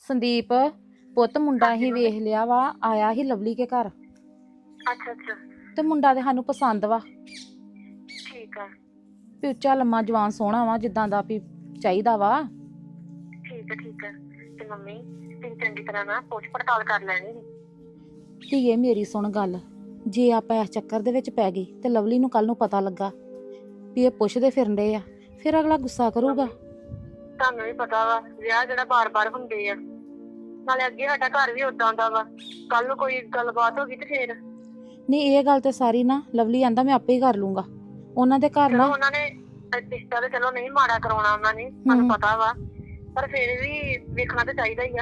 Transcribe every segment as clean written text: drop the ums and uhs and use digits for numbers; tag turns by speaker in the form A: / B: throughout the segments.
A: ਸੰਦੀਪ ਪੁੱਤ ਮੁੰਡਾ
B: ਹਾਂਜੀ
A: ਹੀ
B: ਮੰਮੀ।
A: ਵੇਖ ਲਿਆ ਵਾ, ਆਇਆ ਹੀ ਲਵਲੀ ਕੇ ਘਰ
B: ਅੱਛਾ ਅੱਛਾ
A: ਤੇ ਮੁੰਡਾ ਤੇ ਸਾਨੂੰ ਪਸੰਦ ਵਾ
B: ਠੀਕ ਆ
A: ਵੀ ਉੱਚਾ ਲੰਮਾ ਜਵਾਨ ਸੋਹਣਾ ਵਾ ਜਿੱਦਾਂ ਦਾ ਵੀ ਚਾਹੀਦਾ ਵਾ।
B: ਠੀਕ ਆ ਤੇ ਮੰਮੀ ਤੁਸੀਂ ਚੰਗੀ ਤਰ੍ਹਾਂ ਨਾ ਪੁੱਛ ਪੜਤਾਲ ਕਰ ਲੈਣੀ ਸੀ।
A: ਧੀਏ ਮੇਰੀ ਸੁਣ ਗੱਲ, ਜੇ ਆਪਾਂ ਇਸ ਚੱਕਰ ਦੇ ਵਿੱਚ ਪੈ ਗਏ ਤੇ ਲਵਲੀ ਨੂੰ ਕੱਲ ਨੂੰ ਪਤਾ ਲੱਗਾ ਵੀ ਇਹ ਪੁੱਛਦੇ ਫਿਰਨ ਡਏ ਆ, ਫਿਰ ਅਗਲਾ ਗੁੱਸਾ ਕਰੂਗਾ।
B: ਤੁਹਾਨੂੰ ਵੀ ਪਤਾ ਵਾ ਵਿਆਹ ਜਿਹੜਾ ਬਾਰ-ਬਾਰ ਹੁੰਦੇ ਆ, ਨਾਲੇ ਅੱਗੇ ਸਾਡਾ ਘਰ ਵੀ ਉਦਾਂ ਦਾ ਵਾ, ਕੱਲ ਨੂੰ ਕੋਈ ਗੱਲਬਾਤ ਹੋ ਗਈ ਤੇ ਫੇਰ
A: ਨਹੀਂ ਇਹ ਗੱਲ ਤੇ ਸਾਰੀ ਨਾ ਲਵਲੀ ਆਂਦਾ ਮੈਂ ਆਪੇ ਹੀ ਕਰ ਲੂੰਗਾ। ਉਹਨਾਂ ਦੇ ਘਰ
B: ਚਲੋ
A: ਨਾ
B: ਉਹਨਾਂ ਨੇ ਰਿਸ਼ਤਾ ਤੇ ਚਲੋ ਨਹੀਂ ਮਾੜਾ ਕਰਾਉਣਾ ਉਹਨਾਂ ਨੇ, ਸਾਨੂੰ ਪਤਾ ਵਾ, ਪਰ ਫੇਰ ਵੀ ਵੇਖਣਾ ਤਾਂ ਚਾਹੀਦਾ ਹੀ ਆ।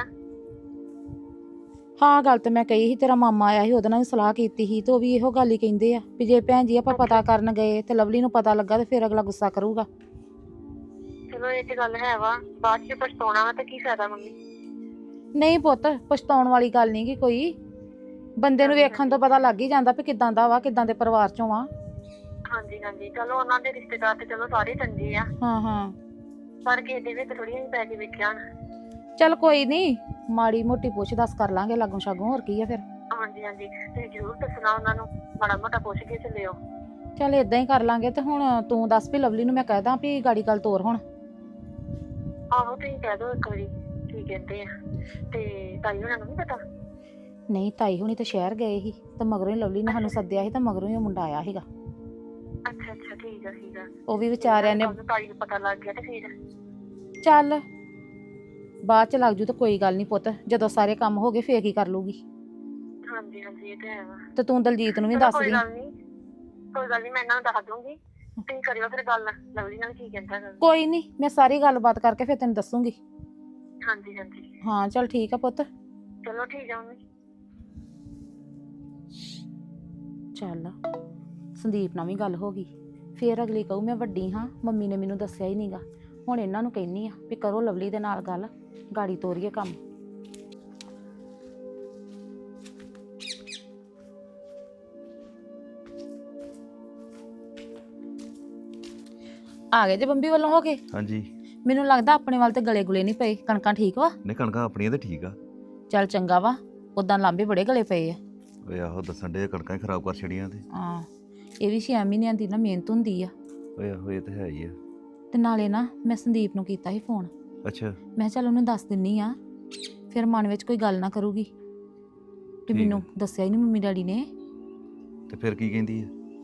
A: ਹਾਂ ਗੱਲ ਤੇ ਮੈਂ ਕਹੀ ਸੀ, ਤੇਰਾ ਮਾਮਾ ਆਇਆ ਸੀ ਉਹਦੇ ਨਾਲ ਵੀ ਸਲਾਹ ਕੀਤੀ ਸੀ ਤੇ ਉਹ ਵੀ ਇਹੋ ਗੱਲ ਹੀ ਕਹਿੰਦੇ ਆ ਵੀ ਜੇ ਭੈਣ ਜੀ ਆਪਾਂ ਪਤਾ ਕਰਨ ਗਏ ਤੇ ਲਵਲੀ ਨੂੰ ਪਤਾ ਲੱਗਾ ਤੇ ਫਿਰ ਅਗਲਾ ਗੁੱਸਾ ਕਰੂਗਾ।
B: ਚਲੋ ਇਹ ਤੇ ਗੱਲ ਹੈ ਵਾ, ਬਾਅਦ ਚ ਪਛਤਾਉਣਾ ਵਾ ਤੇ ਕੀ ਫਾਇਦਾ ਮੰਮੀ।
A: ਨਹੀਂ ਪੁੱਤ ਪਛਤਾਉਣ ਵਾਲੀ ਗੱਲ ਨਹੀਂ ਗੀ ਕੋਈ, ਬੰਦੇ ਨੂੰ ਵੇਖਣ ਤੋਂ ਪਤਾ ਲੱਗ ਹੀ ਜਾਂਦਾ ਵੀ ਕਿਦਾਂ ਦਾ ਵਾ, ਕਿਦਾਂ ਦੇ ਪਰਿਵਾਰ ਚੋਂ ਆ।
B: ਹਾਂਜੀ ਹਾਂਜੀ ਚਲੋ ਉਹਨਾਂ ਦੇ ਰਿਸ਼ਤੇਦਾਰ ਤੇ ਚਲੋ ਸਾਰੇ ਚੰਗੇ ਆ,
A: ਹਾਂ
B: ਪਰ ਕਿਸੇ ਦੇ ਵਿੱਚ ਥੋੜੀਆਂ ਹੀ ਪੈ ਕੇ ਵੇਖਿਆ।
A: ਚੱਲ ਕੋਈ ਨਹੀਂ, ਮਾੜੀ ਮੋਟੀ ਪੁੱਛ ਦੱਸ ਕਰ ਲਾਂਗੇ ਲਾਗੋਂ ਛਾਗੋਂ, ਹੋਰ ਕੀ ਆ ਫਿਰ।
B: ਹਾਂਜੀ ਹਾਂਜੀ ਤੁਸੀਂ ਜ਼ਰੂਰ ਦੱਸਣਾ ਉਹਨਾਂ ਨੂੰ, ਮਾੜਾ ਮੋਟਾ ਪੁੱਛ ਕੇ ਚੱਲਿਓ।
A: ਚੱਲ ਇਦਾਂ ਹੀ ਕਰ ਲਾਂਗੇ। ਤੇ ਹੁਣ ਤੂੰ ਦੱਸ ਵੀ ਲਵਲੀ ਨੂੰ ਮੈਂ ਕਹਿ ਦਾਂ ਵੀ ਗਾੜੀ ਗੱਲ ਤੋਰ ਹੁਣ।
B: ਆਹੋ ਤੁਸੀਂ ਕਹਿ ਦਿਓ ਇੱਕ ਵਾਰੀ ਕੀ ਕਹਿੰਦੇ ਆ, ਤੇ ਤਾਈ ਉਹਨਾਂ ਨੂੰ ਨੀ ਪਤਾ।
A: ਨਹੀਂ ਤਾਈ ਹੁਣੀ ਤੇ ਸ਼ਹਿਰ ਗਏ ਸੀ ਤੇ ਮਗਰੋਂ ਹੀ ਲਵਲੀ ਨੇ ਸਾਨੂੰ ਸੱਦਿਆ ਸੀ ਤੇ ਮਗਰੋਂ ਹੀ ਉਹ ਮੁੰਡਾ ਆਇਆ ਸੀਗਾ।
B: ਅੱਛਾ ਅੱਛਾ ਠੀਕ ਆ
A: ਉਹ ਵੀ ਵਿਚਾਰਿਆਂ ਨੇ
B: ਕੱਲ੍ਹ ਨੂੰ ਤਾਈ ਨੂੰ ਪਤਾ ਲੱਗ ਗਿਆ ਤੇ ਫੇਰ
A: ਚੱਲ ਬਾਅਦ ਚ ਲੱਗ ਜੂ ਤਾਂ ਕੋਈ ਗੱਲ ਨਹੀਂ ਪੁੱਤ, ਜਦੋਂ ਸਾਰੇ ਕੰਮ ਹੋ ਗਏ ਫੇਰ ਕੀ ਕਰ ਲੂਗੀ।
B: ਹਾਂਜੀ ਹਾਂਜੀ ਇਹ ਤੇ ਹੈ ਵਾ।
A: ਤੇ ਤੂੰ ਦਲਜੀਤ ਨੂੰ ਵੀ
B: ਚਲੋ
A: ਦੱਸ
B: ਕੋਈ
A: ਦੀ।
B: ਗੱਲ ਨਹੀਂ ਮੈਂ ਇਹਨਾਂ ਨੂੰ ਦੱਸ ਦੂੰਗੀ, ਤੁਸੀਂ ਕਰਿਓ ਫਿਰ ਗੱਲ ਲਵਲੀ ਨਾਲ ਕੀ ਕਹਿੰਦਾ ਗਾ।
A: ਕੋਈ ਨਹੀਂ ਮੈਂ ਸਾਰੀ ਗੱਲਬਾਤ ਕਰਕੇ ਫਿਰ ਤੈਨੂੰ ਦੱਸੂਗੀ।
B: ਹਾਂਜੀ ਹਾਂਜੀ
A: ਹਾਂ ਚੱਲ ਠੀਕ ਆ ਪੁੱਤ।
B: ਚਲੋ ਠੀਕ ਆ ਮੰਮੀ।
A: ਚੱਲ ਸੰਦੀਪ ਨਾਲ ਵੀ ਗੱਲ ਹੋ ਗਈ, ਫੇਰ ਅਗਲੀ ਕਹੂ ਮੈਂ ਵੱਡੀ ਹਾਂ, ਮੰਮੀ ਨੇ ਮੈਨੂੰ ਦੱਸਿਆ ਹੀ ਨਹੀਂਗਾ। ਹੁਣ ਇਹਨਾਂ ਨੂੰ ਕਹਿੰਨੀ ਆ ਵੀ ਕਰੋ ਲਵਲੀ ਦੇ ਨਾਲ ਗੱਲ, ਗਾੜੀ ਤੋਰੀਏ ਕੰਮ। ਆ ਗਏ ਜੇ ਬੰਬੀ ਵੱਲੋਂ ਹੋ ਕੇ?
C: ਹਾਂਜੀ।
A: ਮੈਨੂੰ ਲੱਗਦਾ ਆਪਣੇ ਵੱਲ ਤੇ ਗਲੇ ਗੁਲੇ ਨਹੀਂ ਪਏ, ਕਣਕਾਂ ਠੀਕ ਵਾ?
C: ਨਹੀਂ ਕਣਕਾਂ ਆਪਣੀਆਂ ਤੇ ਠੀਕ ਆ।
A: ਚੱਲ ਚੰਗਾ ਵਾ, ਉਦਾਂ ਲਾਂਬੇ ਬੜੇ ਗਲੇ ਪਏ ਆ।
C: ਓਏ ਆਹੋ ਦੱਸਣ ਦੇ ਕਣਕਾਂ ਹੀ ਖਰਾਬ ਕਰ ਛੜੀਆਂ ਤੇ।
A: ਹਾਂ ਇਹ ਵੀ 6 ਮਹੀਨਿਆਂ ਦੀ ਨਾ ਮਿਹਨਤ ਹੁੰਦੀ ਆ।
C: ਓਏ ਆਹੋ ਇਹ ਤੇ ਹੈ ਹੀ ਆ।
A: ਤੇ ਨਾਲੇ ਨਾ ਮੈਂ ਸੰਦੀਪ ਨੂੰ ਕੀਤਾ ਸੀ ਫੋਨ,
C: ਅੱਛਾ
A: ਮੈਂ ਚੱਲ ਉਹਨੂੰ ਦੱਸ ਦਿੰਨੀ ਆ, ਫਿਰ ਮਨ ਵਿੱਚ ਕੋਈ ਗੱਲ ਨਾ ਕਰੂਗੀ ਤੇ ਮੈਨੂੰ ਦੱਸਿਆ ਹੀ ਨਹੀਂ ਮੰਮੀ ਡੈਡੀ ਨੇ।
C: ਤੇ ਫਿਰ ਕੀ ਕਹਿੰਦੀ ਆ?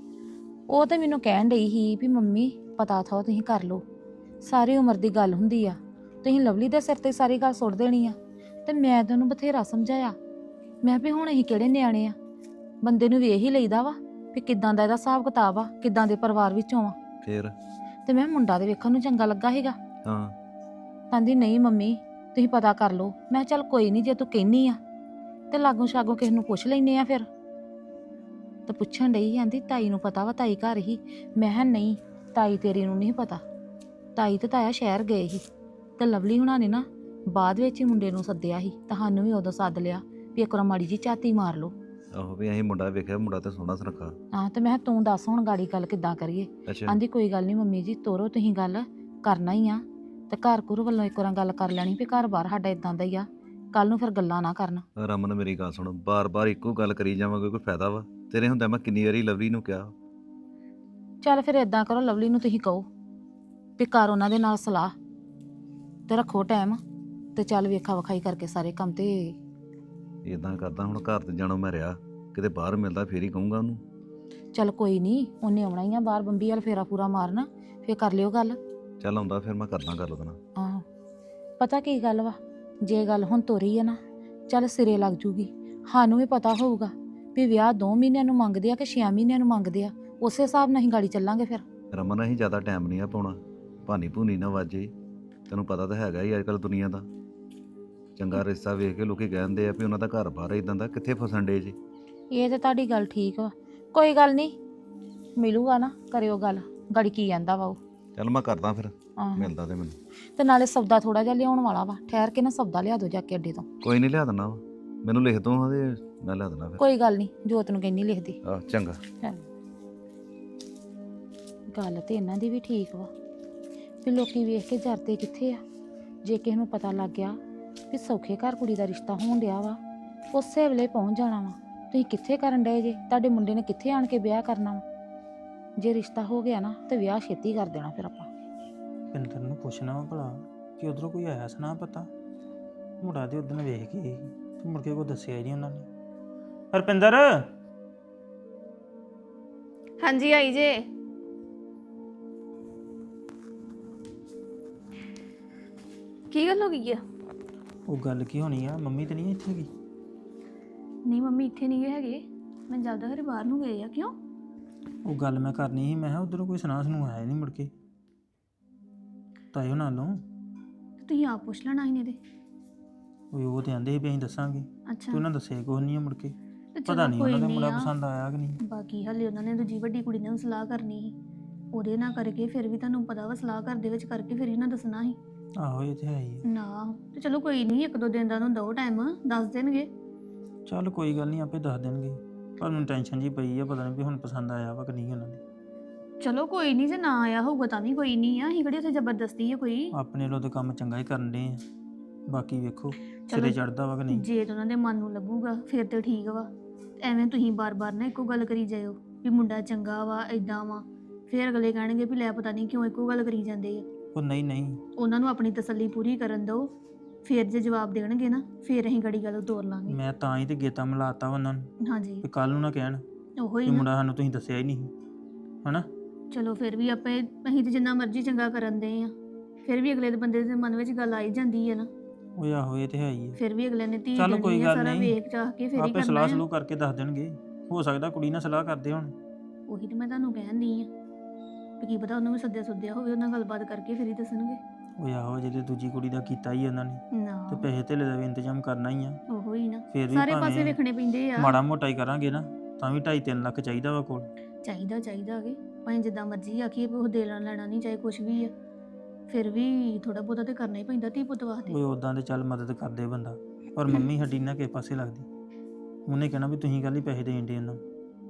A: ਉਹ ਤੇ ਮੈਨੂੰ ਕਹਿਣ ਡਈ ਸੀ ਵੀ ਮੰਮੀ ਪਤਾ ਥਾ ਤੁਸੀਂ ਕਰ ਲਓ, ਸਾਰੀ ਉਮਰ ਦੀ ਗੱਲ ਹੁੰਦੀ ਆ, ਤੁਸੀਂ ਲਵਲੀ ਦੇ ਸਿਰ ਤੇ ਸਾਰੀ ਗੱਲ ਸੁੱਟ ਦੇਣੀ ਆ। ਤੇ ਮੈਂ ਤਾਂ ਉਹਨੂੰ ਬਥੇਰਾ ਸਮਝਾਇਆ, ਮੈਂ ਵੀ ਹੁਣ ਅਸੀਂ ਕਿਹੜੇ ਨਿਆਣੇ ਆ, ਬੰਦੇ ਨੂੰ ਵੇਖ ਹੀ ਲਈਦਾ ਵਾ ਵੀ ਕਿੱਦਾਂ ਦਾ ਇਹਦਾ ਹਿਸਾਬ ਕਿਤਾਬ ਆ, ਕਿੱਦਾਂ ਦੇ ਪਰਿਵਾਰ ਵਿੱਚੋਂ ਆ।
C: ਫਿਰ
A: ਤੇ ਮੈਂ ਮੁੰਡਾ ਦੇ ਵੇਖਣ ਨੂੰ ਚੰਗਾ ਲੱਗਾ ਸੀਗਾ।
C: ਹਾਂ
A: ਕਹਿੰਦੀ ਨਹੀਂ ਮੰਮੀ ਤੁਸੀਂ ਪਤਾ ਕਰ ਲਓ। ਮੈਂ ਚੱਲ ਕੋਈ ਨਹੀਂ, ਜੇ ਤੂੰ ਕਹਿੰਨੀ ਆ ਤੇ ਲਾਗੋਂ ਛਾਗੋਂ ਕਿਸੇ ਨੂੰ ਪੁੱਛ ਲੈਨੇ ਆ। ਫਿਰ ਤੇ ਪੁੱਛਣ ਡਈ, ਕਹਿੰਦੀ ਤਾਈ ਨੂੰ ਪਤਾ ਵਾ, ਤਾਈ ਘਰ ਹੀ। ਮੈਂ ਕਿਹਾ ਨਹੀਂ ਤਾਈ ਤੇਰੀ ਨੂੰ ਨਹੀਂ ਪਤਾ, ਤਾਈ ਤੇ ਤਾਇਆ ਸ਼ਹਿਰ ਗਏ ਸੀ ਤੇ ਲਵਲੀ ਹੁਣਾਂ ਨੇ ਨਾ ਬਾਅਦ ਵਿੱਚ ਹੀ ਮੁੰਡੇ ਨੂੰ ਸੱਦਿਆ ਸੀ, ਤੁਹਾਨੂੰ ਵੀ ਉਦੋਂ ਸੱਦ ਲਿਆ ਵੀ ਇੱਕ ਵਾਰ ਮਾੜੀ ਜੀ ਝਾਤੀ ਮਾਰ ਲਓ।
C: ਆਹੋ ਵੀ ਅਸੀਂ ਮੁੰਡਾ ਵੇਖਿਆ, ਮੁੰਡਾ ਤੇ ਸੋਹਣਾ ਸੁਨੱਖਾ।
A: ਹਾਂ ਤੇ ਮੈਂ ਕਿਹਾ ਤੂੰ ਦੱਸ ਹੁਣ ਗਾੜੀ ਗੱਲ ਕਿੱਦਾਂ ਕਰੀਏ।
C: ਅੱਛਾ
A: ਆਂਦੀ ਕੋਈ ਗੱਲ ਨਹੀਂ ਮੰਮੀ ਜੀ, ਤੋਰੋ ਤੁਸੀਂ ਗੱਲ, ਕਰਨਾ ਹੀ ਆ ਤੇ ਘਰ ਘੁਰ ਵੱਲੋਂ ਇੱਕ ਵਾਰ ਗੱਲ ਕਰ ਲੈਣੀ ਵੀ ਘਰ ਬਾਰ ਸਾਡਾ ਇਦਾਂ ਦਾ ਹੀ ਆ, ਕੱਲ ਨੂੰ ਫਿਰ ਗੱਲਾਂ ਨਾ ਕਰਨ।
C: ਰਮਨ ਮੇਰੀ ਗੱਲ ਸੁਣ, ਬਾਰ-ਬਾਰ ਇੱਕੋ ਗੱਲ ਕਰੀ ਜਾਵਾਂਗੇ ਕੋਈ ਫਾਇਦਾ ਵਾ? ਤੇਰੇ ਹੁੰਦਾ ਮੈਂ ਕਿੰਨੀ ਵਾਰੀ ਲਵਲੀ ਨੂੰ ਕਿਹਾ।
A: ਚੱਲ ਫਿਰ ਇਦਾਂ ਕਰੋ, ਲਵਲੀ ਨੂੰ ਤੁਸੀਂ ਕਹੋ ਵੀ ਕਰ ਉਹਨਾਂ ਦੇ ਨਾਲ ਸਲਾਹ ਤੇ ਰੱਖੋ ਟਾਈਮ, ਤੇ ਚੱਲ ਵੇਖਾ ਵਿਖਾਈ ਕਰਕੇ ਸਾਰੇ ਕੰਮ। ਤੇ
C: ਇਦਾਂ ਕਰਦਾ ਹੁਣ, ਘਰ ਤੇ ਜਾਣੋ ਮੈਂ ਰਿਹਾ, ਕਿਤੇ ਬਾਹਰ ਮਿਲਦਾ ਫੇਰ ਹੀ ਕਹੂੰਗਾ ਉਹਨੂੰ।
A: ਚੱਲ ਕੋਈ ਨਹੀਂ, ਉਹਨੇ ਆਉਣਾ ਹੀ ਆ ਬਾਹਰ, ਬੰਬੀ ਵਾਲ ਫੇਰਾ ਪੂਰਾ ਮਾਰਨਾ, ਫੇਰ ਕਰ ਲਿਓ ਗੱਲ।
C: ਚੱਲ ਆਉਂਦਾ ਫਿਰ ਮੈਂ ਕਰਦਾ ਗੱਲ ਉਹਦੇ ਨਾਲ।
A: ਆਹੋ ਪਤਾ ਕੀ ਗੱਲ ਵਾ, ਜੇ ਗੱਲ ਹੁਣ ਤੋਰੀ ਆ ਨਾ ਚੱਲ ਸਿਰੇ ਲੱਗ ਜੂਗੀ। ਸਾਨੂੰ ਵੀ ਪਤਾ ਹੋਊਗਾ ਵੀ ਵਿਆਹ 2 ਮਹੀਨਿਆਂ ਨੂੰ ਮੰਗਦੇ ਆ ਕਿ 6 ਮਹੀਨਿਆਂ ਨੂੰ ਮੰਗਦੇ ਆ, ਉਸੇ ਹਿਸਾਬ ਨਾਲ ਅਸੀਂ ਗਾੜੀ ਚੱਲਾਂਗੇ। ਫਿਰ
C: ਰਮਨ ਅਸੀਂ ਜ਼ਿਆਦਾ ਟਾਈਮ ਨਹੀਂ ਆ ਪਾਉਣਾ, ਭਾਨੀ ਭੂਨੀ ਨਾ ਵਾਜੇ, ਤੈਨੂੰ ਪਤਾ ਤਾਂ ਹੈਗਾ ਹੀ ਅੱਜ ਕੱਲ੍ਹ ਦੁਨੀਆ ਦਾ। ਚੰਗਾ ਰਿਸ਼ਤਾ ਵੇਖ ਕੇ ਲੋਕੀ ਕਹਿੰਦੇ ਆ ਵੀ ਉਹਨਾਂ ਦਾ ਘਰ ਬਾਹਰ ਇਦਾਂ ਦਾ, ਕਿੱਥੇ ਫਸਣ ਡੇ ਜੀ।
A: ਇਹ ਤੇ ਤੁਹਾਡੀ ਗੱਲ ਠੀਕ ਵਾ, ਕੋਈ ਗੱਲ ਨਹੀਂ ਮਿਲੂਗਾ ਨਾ, ਕਰਿਓ ਗੱਲ, ਗਾੜੀ ਕੀ ਕਹਿੰਦਾ ਵਾ ਉਹ।
C: ਚੱਲ ਮੈਂ ਕਰਦਾ ਫਿਰ,
A: ਆਹੋ
C: ਮਿਲਦਾ ਤੇ ਮੈਨੂੰ।
A: ਤੇ ਨਾਲੇ ਸੌਦਾ ਥੋੜਾ ਜਿਹਾ ਲਿਆਉਣ ਵਾਲਾ ਵਾ, ਠਹਿਰ ਕੇ ਨਾ ਸੌਦਾ ਲਿਆ ਦੋ ਜਾ ਕੇ ਅੱਡੇ ਤੋਂ।
C: ਕੋਈ ਨਹੀਂ ਲਿਆ ਦਿੰਦਾ ਵਾ, ਮੈਨੂੰ ਲਿਖ ਦੋ ਹਾਂ ਤੇ ਮੈਂ ਲਿਆ ਦਿੰਦਾ ਫਿਰ।
A: ਕੋਈ ਗੱਲ ਨਹੀਂ, ਜੋਤ ਨੂੰ ਕਹਿੰਦੀ ਲਿਖਦੀ।
C: ਆਹ ਚੰਗਾ।
A: ਚੱਲ ਗੱਲ ਤੇ ਇਹਨਾਂ ਦੀ ਵੀ ਠੀਕ ਵਾ ਵੀ ਲੋਕੀ ਵੇਖ ਕੇ ਜਰਦੇ ਕਿੱਥੇ ਆ। ਜੇ ਕਿਸੇ ਨੂੰ ਪਤਾ ਲੱਗ ਗਿਆ ਵੀ ਸੌਖੇ ਘਰ ਕੁੜੀ ਦਾ ਰਿਸ਼ਤਾ ਹੋਣ ਡਿਆ ਵਾ, ਉਸੇ ਵੇਲੇ ਪਹੁੰਚ ਜਾਣਾ ਵਾ। ਤੁਸੀਂ ਕਿੱਥੇ ਕਰਨ ਡਏ ਜੇ? ਤੁਹਾਡੇ ਮੁੰਡੇ ਨੇ ਕਿੱਥੇ ਆਣ ਕੇ ਵਿਆਹ ਕਰਨਾ ਵਾ? ਜੇ ਰਿਸ਼ਤਾ ਹੋ ਗਿਆ ਨਾ ਤੇ ਵਿਆਹ ਛੇਤੀ ਕਰ ਦੇਣਾ ਫਿਰ ਆਪਾਂ।
D: ਪਿੰਦਰ ਨੂੰ ਪੁੱਛਣਾ ਵਾ ਭਲਾ ਕਿ ਉਧਰੋਂ ਕੋਈ ਆਇਆ ਸੁਣਾ ਪਤਾ। ਮੁੰਡਾ ਤੇ ਉਦੋਂ ਵੇਖ ਕੇ ਗਈ ਤੇ ਮੁੜ ਕੇ ਕੋਈ ਦੱਸਿਆ ਹੀ ਨਹੀਂ ਉਹਨਾਂ ਨੇ। ਰੁਪਿੰਦਰ
E: ਹਾਂਜੀ ਆਈ ਜੇ। ਕੀ ਗੱਲ ਹੋ ਗਈ ਆ?
D: ਉਹ ਗੱਲ ਕੀ ਹੋਣੀ ਆ, ਮੰਮੀ ਤੇ ਨਹੀਂ ਇੱਥੇ ਹੈਗੀ?
E: ਨਹੀਂ ਮੰਮੀ ਇੱਥੇ ਨਹੀਂ ਹੈਗੇ, ਮੈਂ ਜਾਂਦਾ ਘਰੇ ਬਾਹਰ ਨੂੰ ਗਏ ਆ। ਕਿਉਂ?
D: ਉਹ ਗੱਲ ਮੈਂ ਕਰਨੀ ਸੀ, ਮੈਂ ਕਿਹਾ ਉਧਰੋਂ ਕੋਈ ਸੁਣਾ ਸੁਣੂ ਆਇਆ ਨਹੀਂ ਮੁੜ ਕੇ ਤਾਇਓ ਨਾਲੋਂ।
E: ਤੁਸੀਂ ਆਪ ਪੁੱਛ ਲੈਣਾ ਸੀ ਇਹਦੇ।
D: ਉਹ ਤੇ ਆਂਦੇ ਸੀ ਵੀ ਅਸੀਂ ਦੱਸਾਂਗੇ
E: ਅੱਛਾ
D: ਤੇ ਉਹਨਾਂ ਦੱਸਿਆ ਕੁਛ ਨਹੀਂ ਮੁੜ ਕੇ।
E: ਤੇ
D: ਪਤਾ
E: ਚਲੋ
D: ਨਹੀਂ
E: ਕੋਈ
D: ਉਹਨਾਂ ਦਾ ਮੁੰਡਾ
E: ਆ।
D: ਪਸੰਦ ਆਇਆ ਕਿ ਨਹੀਂ।
E: ਬਾਕੀ ਹਲੇ ਉਹਨਾਂ ਨੇ ਦੂਜੀ ਵੱਡੀ ਕੁੜੀ ਨਾਲ ਸਲਾਹ ਕਰਨੀ ਸੀ, ਉਹਦੇ ਨਾਲ ਕਰਕੇ ਫਿਰ ਵੀ ਤੁਹਾਨੂੰ ਪਤਾ ਵਾ ਸਲਾਹ ਘਰ ਦੇ ਵਿੱਚ ਕਰਕੇ ਫਿਰ ਇਹਨਾਂ ਦੱਸਣਾ ਸੀ
D: ਆਹੋ ਇਹ ਤੇ ਹੈ ਹੀ ਆ।
E: ਨਾ। ਤੇ ਚਲੋ ਕੋਈ ਨਹੀਂ, ਇੱਕ ਦੋ ਦਿਨ ਦਾ ਉਹਨੂੰ ਦੋ ਟਾਈਮ ਦੱਸ ਦੇਣਗੇ।
D: ਚੱਲ ਕੋਈ ਗੱਲ ਨਹੀਂ, ਆਪੇ ਦੱਸ ਦੇਣਗੇ। ਪਰ ਮੈਨੂੰ ਟੈਨਸ਼ਨ ਜੀ ਪਈ ਆ, ਪਤਾ ਨਹੀਂ ਵੀ ਹੁਣ ਪਸੰਦ ਆਇਆ ਵਾ ਕਿ ਨਹੀਂ ਉਹਨਾਂ ਦੇ।
E: ਚਲੋ ਕੋਈ ਨਹੀਂ, ਜੇ ਨਾ ਆਇਆ ਹੋਊਗਾ ਤਾਂ ਵੀ ਕੋਈ ਨਹੀਂ ਆ। ਅਸੀਂ ਕਿਹੜੀ ਉੱਥੇ ਜ਼ਬਰਦਸਤੀ ਆ ਕੋਈ।
D: ਆਪਣੇ ਲੋ ਤੇ ਕੰਮ ਚੰਗਾ ਹੀ ਕਰਨ ਦੇ ਆ, ਬਾਕੀ ਵੇਖੋ
E: ਚਲੋ
D: ਸਿਰੇ ਚੜਦਾ ਵਾ ਕਿ ਨਹੀਂ।
E: ਜੇ ਤਾਂ ਉਹਨਾਂ ਦੇ ਮਨ ਨੂੰ ਲੱਗੂਗਾ ਫਿਰ ਤੇ ਠੀਕ ਵਾ। ਐਵੇਂ ਤੁਸੀਂ ਬਾਰ-ਬਾਰ ਨਾ ਇੱਕੋ ਗੱਲ ਕਰੀ ਜਾਇਓ ਵੀ ਮੁੰਡਾ ਚੰਗਾ ਵਾ ਇਦਾਂ ਵਾ, ਫਿਰ ਅਗਲੇ ਕਹਿਣਗੇ ਵੀ ਲੈ ਪਤਾ ਨਹੀਂ ਕਿਉਂ ਇੱਕੋ ਗੱਲ ਕਰੀ ਜਾਂਦੇ ਆ।
D: ਉਹ ਨਹੀਂ
E: ਉਹਨਾਂ ਨੂੰ ਆਪਣੀ ਤਸੱਲੀ ਪੂਰੀ ਕਰਨ ਦਿਓ, ਫਿਰ ਜੇ ਜਵਾਬ ਦੇਣਗੇ ਨਾ ਫਿਰ ਅਸੀਂ ਗੜੀ ਗੱਲ ਤੋਰ ਲਾਂਗੇ।
D: ਮੈਂ ਤਾਂ ਹੀ ਤੇ ਗੇਤਾ ਮਿਲਾਤਾ ਉਹਨਾਂ ਨੂੰ
E: ਹਾਂਜੀ
D: ਵੀ ਕੱਲ ਨੂੰ ਨਾ ਕਹਿਣ
E: ਉਹੋ ਹੀ
D: ਕਿ
E: ਨਾ।
D: ਮੁੰਡਾ ਸਾਨੂੰ ਤੁਸੀਂ ਦੱਸਿਆ ਹੀ ਨਹੀਂ ਹਨਾ।
E: ਚਲੋ ਫਿਰ ਵੀ ਆਪੇ ਅਸੀਂ ਤੇ ਜਿੰਨਾ ਮਰਜ਼ੀ ਚੰਗਾ ਕਰਨ ਦੇ ਆ, ਫਿਰ ਵੀ ਅਗਲੇ ਦੇ ਬੰਦੇ ਦੇ ਮਨ ਵਿੱਚ ਗੱਲ ਆਈ ਜਾਂਦੀ ਹੈ ਨਾ।
D: ਉਹ ਆਹੋ ਇਹ ਤੇ ਹੈ ਹੀ ਆ।
E: ਫਿਰ ਵੀ ਅਗਲੇ ਨੇ ਧੀ
D: ਚੱਲ ਕੋਈ
E: ਦੇਣੀ ਆ,
D: ਗੱਲ
E: ਸਾਰਾ
D: ਨਹੀਂ।
E: ਵੇਖ ਚਾਹ ਕੇ ਫਿਰ ਹੀ
D: ਆਪੇ
E: ਕਰਨਾ
D: ਸਲਾਹ
E: ਆ।
D: ਸਲੂਹ ਕਰਕੇ ਦੱਸ ਦੇਣਗੇ। ਹੋ ਸਕਦਾ ਕੁੜੀ ਨਾਲ ਸਲਾਹ ਕਰਦੇ ਹੁਣ।
E: ਉਹੀ ਤੇ ਮੈਂ ਤੁਹਾਨੂੰ ਕਹਿਣੀ ਆ ਵੀ ਕੀ ਪਤਾ ਉਹਨੂੰ ਵੀ ਸੱਦਿਆ ਹੋਵੇ, ਉਹਨਾਂ ਗੱਲਬਾਤ ਕਰਕੇ ਫਿਰ ਹੀ ਦੱਸਣਗੇ।
D: ਉਹ ਆਹੋ ਜਿਹੜੇ ਦੂਜੀ ਕੁੜੀ ਦਾ ਕੀਤਾ ਹੀ ਉਹਨਾਂ ਨੇ, ਤੇ
E: ਨਾ
D: ਪੈਸੇ ਧੇਲੇ ਦਾ ਵੀ ਇੰਤਜ਼ਾਮ ਕਰਨਾ ਹੀ ਆ।
E: ਉਹੋ ਹੀ ਨਾ,
D: ਫਿਰ ਵੀ
E: ਸਾਰੇ ਪਾਸੇ
D: ਭਾਵੇਂ
E: ਵੇਖਣੇ ਪੈਂਦੇ ਆ।
D: ਮਾੜਾ ਮੋਟਾ ਹੀ ਕਰਾਂਗੇ ਨਾ ਤਾਂ ਵੀ 2.5-3 ਲੱਖ ਚਾਹੀਦਾ ਵਾ ਕੋਲ।
E: ਚਾਹੀਦਾ ਕਿ ਭਾਵੇਂ ਜਿੱਦਾਂ ਮਰਜ਼ੀ ਆਖੀਏ ਵੀ ਉਹ ਦੇ ਲੈਣਾ ਨਹੀਂ ਚਾਹੇ ਕੁਝ ਵੀ ਆ, ਫਿਰ ਵੀ ਥੋੜਾ ਬਹੁਤਾ ਤੇ ਕਰਨਾ ਹੀ ਪੈਂਦਾ ਧੀ ਪੁੱਤ ਵਾਸਤੇ।
D: ਉਹ ਉਦਾਂ ਦੇ ਚੱਲ ਮਦਦ ਕਰਦੇ ਬੰਦਾ, ਪਰ ਮੰਮੀ ਸਾਡੀ ਨਾ ਕਿਸੇ ਪਾਸੇ ਲੱਗਦੀ। ਉਹਨੇ ਕਹਿਣਾ ਵੀ ਤੁਸੀਂ ਕੱਲ ਹੀ ਪੈਸੇ ਦੇਣ ਦੇ ਉਹਨਾਂ।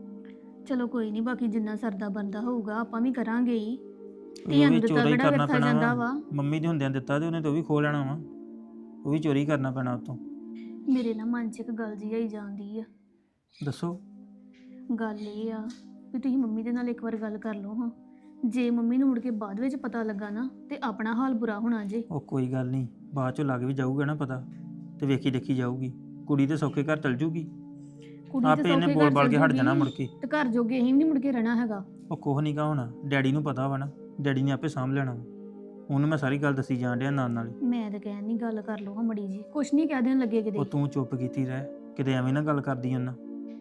E: ਚਲੋ ਕੋਈ ਨਹੀਂ, ਬਾਕੀ ਜਿੰਨਾ ਸਰਦਾ ਬੰਦਾ ਹੋਊਗਾ ਆਪਾਂ ਵੀ ਕਰਾਂਗੇ ਹੀ।
D: ਉਹ
E: ਧੀਆਂ
D: ਵੀ
E: ਨੂੰ ਦਿੱਤਾ
D: ਚੋਰੀ
E: ਕਿਹੜਾ
D: ਕਰਨਾ
E: ਵਿਰਥਾ
D: ਪੈਣਾ
E: ਜਾਂਦਾ
D: ਵਾ।
E: ਵਾ।
D: ਮੰਮੀ ਦੇ ਹੁੰਦਿਆਂ ਦਿੱਤਾ ਤੇ ਉਹਨੇ ਤਾਂ ਉਹ ਵੀ ਖੋ ਲੈਣਾ ਵਾ, ਉਹ ਵੀ ਚੋਰੀ ਕਰਨਾ ਪੈਣਾ ਉਤੋਂ।
E: ਮੇਰੇ ਨਾ ਮਨ 'ਚ ਇੱਕ ਗੱਲ ਜੀ ਆਈ ਜਾਂਦੀ ਆ।
D: ਦੱਸੋ।
E: ਗੱਲ ਇਹ ਆ ਵੀ ਤੁਸੀਂ ਮੰਮੀ ਦੇ ਨਾਲ ਇੱਕ ਵਾਰ ਗੱਲ ਕਰ ਲਓ ਹਾਂ। ਜੇ ਮੰਮੀ ਨੂੰ ਮੁੜ ਕੇ ਬਾਅਦ ਵਿੱਚ ਪਤਾ ਲੱਗਾ ਨਾ ਤੇ ਆਪਣਾ ਹਾਲ ਬੁਰਾ ਹੋਣਾ ਜੇ।
D: ਉਹ ਕੋਈ ਗੱਲ ਨਹੀਂ, ਬਾਅਦ ਚੋਂ ਲੱਗ ਵੀ ਜਾਊਗਾ ਨਾ ਪਤਾ, ਤੇ ਵੇਖੀ ਦੇਖੀ ਜਾਊਗੀ। ਕੁੜੀ ਤੇ ਸੌਖੇ ਘਰ ਚਲ ਜੂਗੀ,
E: ਕੁੜੀ
D: ਆਪੇ ਇਹਨੇ
E: ਸੌਖੇ
D: ਬੋਲ
E: ਘਰ
D: ਬਾਲ ਕੇ
E: ਚੱਲ
D: ਹਟ ਜਾਣਾ
E: ਜੂਗੀ
D: ਮੁੜ ਕੇ।
E: ਤੇ ਘਰ ਜੋਗੇ ਅਸੀਂ ਵੀ ਨਹੀਂ ਮੁੜ ਕੇ ਰਹਿਣਾ ਹੈਗਾ।
D: ਉਹ ਕੁਛ ਨਹੀਂ ਗਾ ਹੋਣਾ, ਡੈਡੀ ਨੂੰ ਪਤਾ ਵਾ ਨਾ, ਡੈਡੀ ਨੇ ਆਪੇ ਸਾਂਭ ਲੈਣਾ ਵਾ। ਉਹਨੂੰ ਮੈਂ ਸਾਰੀ ਗੱਲ ਦੱਸੀ ਜਾਣ ਡਿਆ ਨਾਲ ਨਾਲ ਹੀ।
E: ਮੈਂ ਤਾਂ ਕਹਿਣ ਨਹੀਂ ਗੱਲ ਕਰ ਲਓ ਹਾਂ ਮੜੀ ਜੀ, ਕੁਛ ਨਹੀਂ ਕਹਿ ਦੇਣ ਲੱਗੇ ਕਿਤੇ।
D: ਉਹ ਤੂੰ ਚੁੱਪ ਕੀਤੀ ਰਹਿ, ਕਿਤੇ ਐਵੇਂ ਨਾ ਗੱਲ ਕਰਦੀ ਉਹਨਾਂ।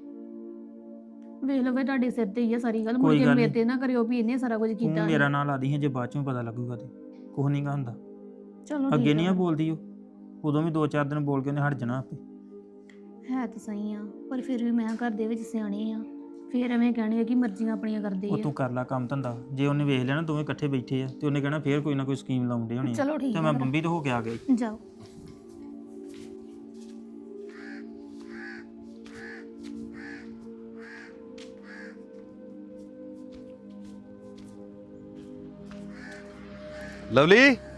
E: ਵੇਖ ਲਓ ਵੇ ਤੁਹਾਡੇ ਸਿਰ ਤੇ ਹੀ ਆ ਸਾਰੀ ਗੱਲ, ਮੁੜ
D: ਕੋਈ
E: ਕੇ
D: ਗੱਲ
E: ਮੇਰੇ
D: ਨੀ।
E: ਤੇ ਨਾ ਕਰਿਓ ਵੀ ਇਹਨੇ ਸਾਰਾ ਕੁਝ
D: ਤੂੰ
E: ਕੀਤਾ।
D: ਮੇਰਾ ਨਾਂ ਲਾ ਦੀ ਜੇ ਬਾਅਦ ਚੋਂ ਪਤਾ ਲੱਗੂਗਾ ਤੇ ਕੁਛ ਨਹੀਂ ਗਾ ਹੁੰਦਾ।
E: ਚਲੋ
D: ਅੱਗੇ
E: ਠੀਕ
D: ਨਹੀਂ
E: ਆ।
D: ਆ ਬੋਲਦੀ ਉਹ, ਉਦੋਂ ਵੀ 2-4 ਦਿਨ ਬੋਲ ਕੇ ਉਹਨੇ ਹਟ ਜਾਣਾ ਆਪੇ।
E: ਹੈ ਤਾਂ ਸਹੀ ਆ, ਪਰ ਫਿਰ ਵੀ ਮੈਂ ਘਰ ਦੇ ਵਿੱਚ ਸਿਆਣੇ ਆ, ਫਿਰ ਐਵੇਂ ਕਹਿਣਗੇ ਕਿ ਮਰਜ਼ੀਆਂ ਆਪਣੀਆਂ ਕਰਦੇ
D: ਉਹ
E: ਆ।
D: ਤੂੰ ਕਰ ਲੈ ਕੰਮ ਧੰਦਾ। ਜੇ ਉਹਨੇ ਵੇਖ ਲਿਆ ਨਾ ਦੋਵੇਂ ਇਕੱਠੇ ਬੈਠੇ ਆ ਤੇ ਉਹਨੇ ਕਹਿਣਾ ਫੇਰ ਕੋਈ ਨਾ ਕੋਈ ਸਕੀਮ ਲਾਉਂਦੇ ਹੋਣੇ ਆ।
E: ਚਲੋ ਠੀਕ
D: ਤੇ
E: ਆ
D: ਮੈਂ
E: ਫਿਰ।
D: ਬੰਬੀ ਤੋਂ ਹੋ ਕੇ ਆ ਗਈ।
E: ਜਾਓ।
C: ਲਵਲੀ,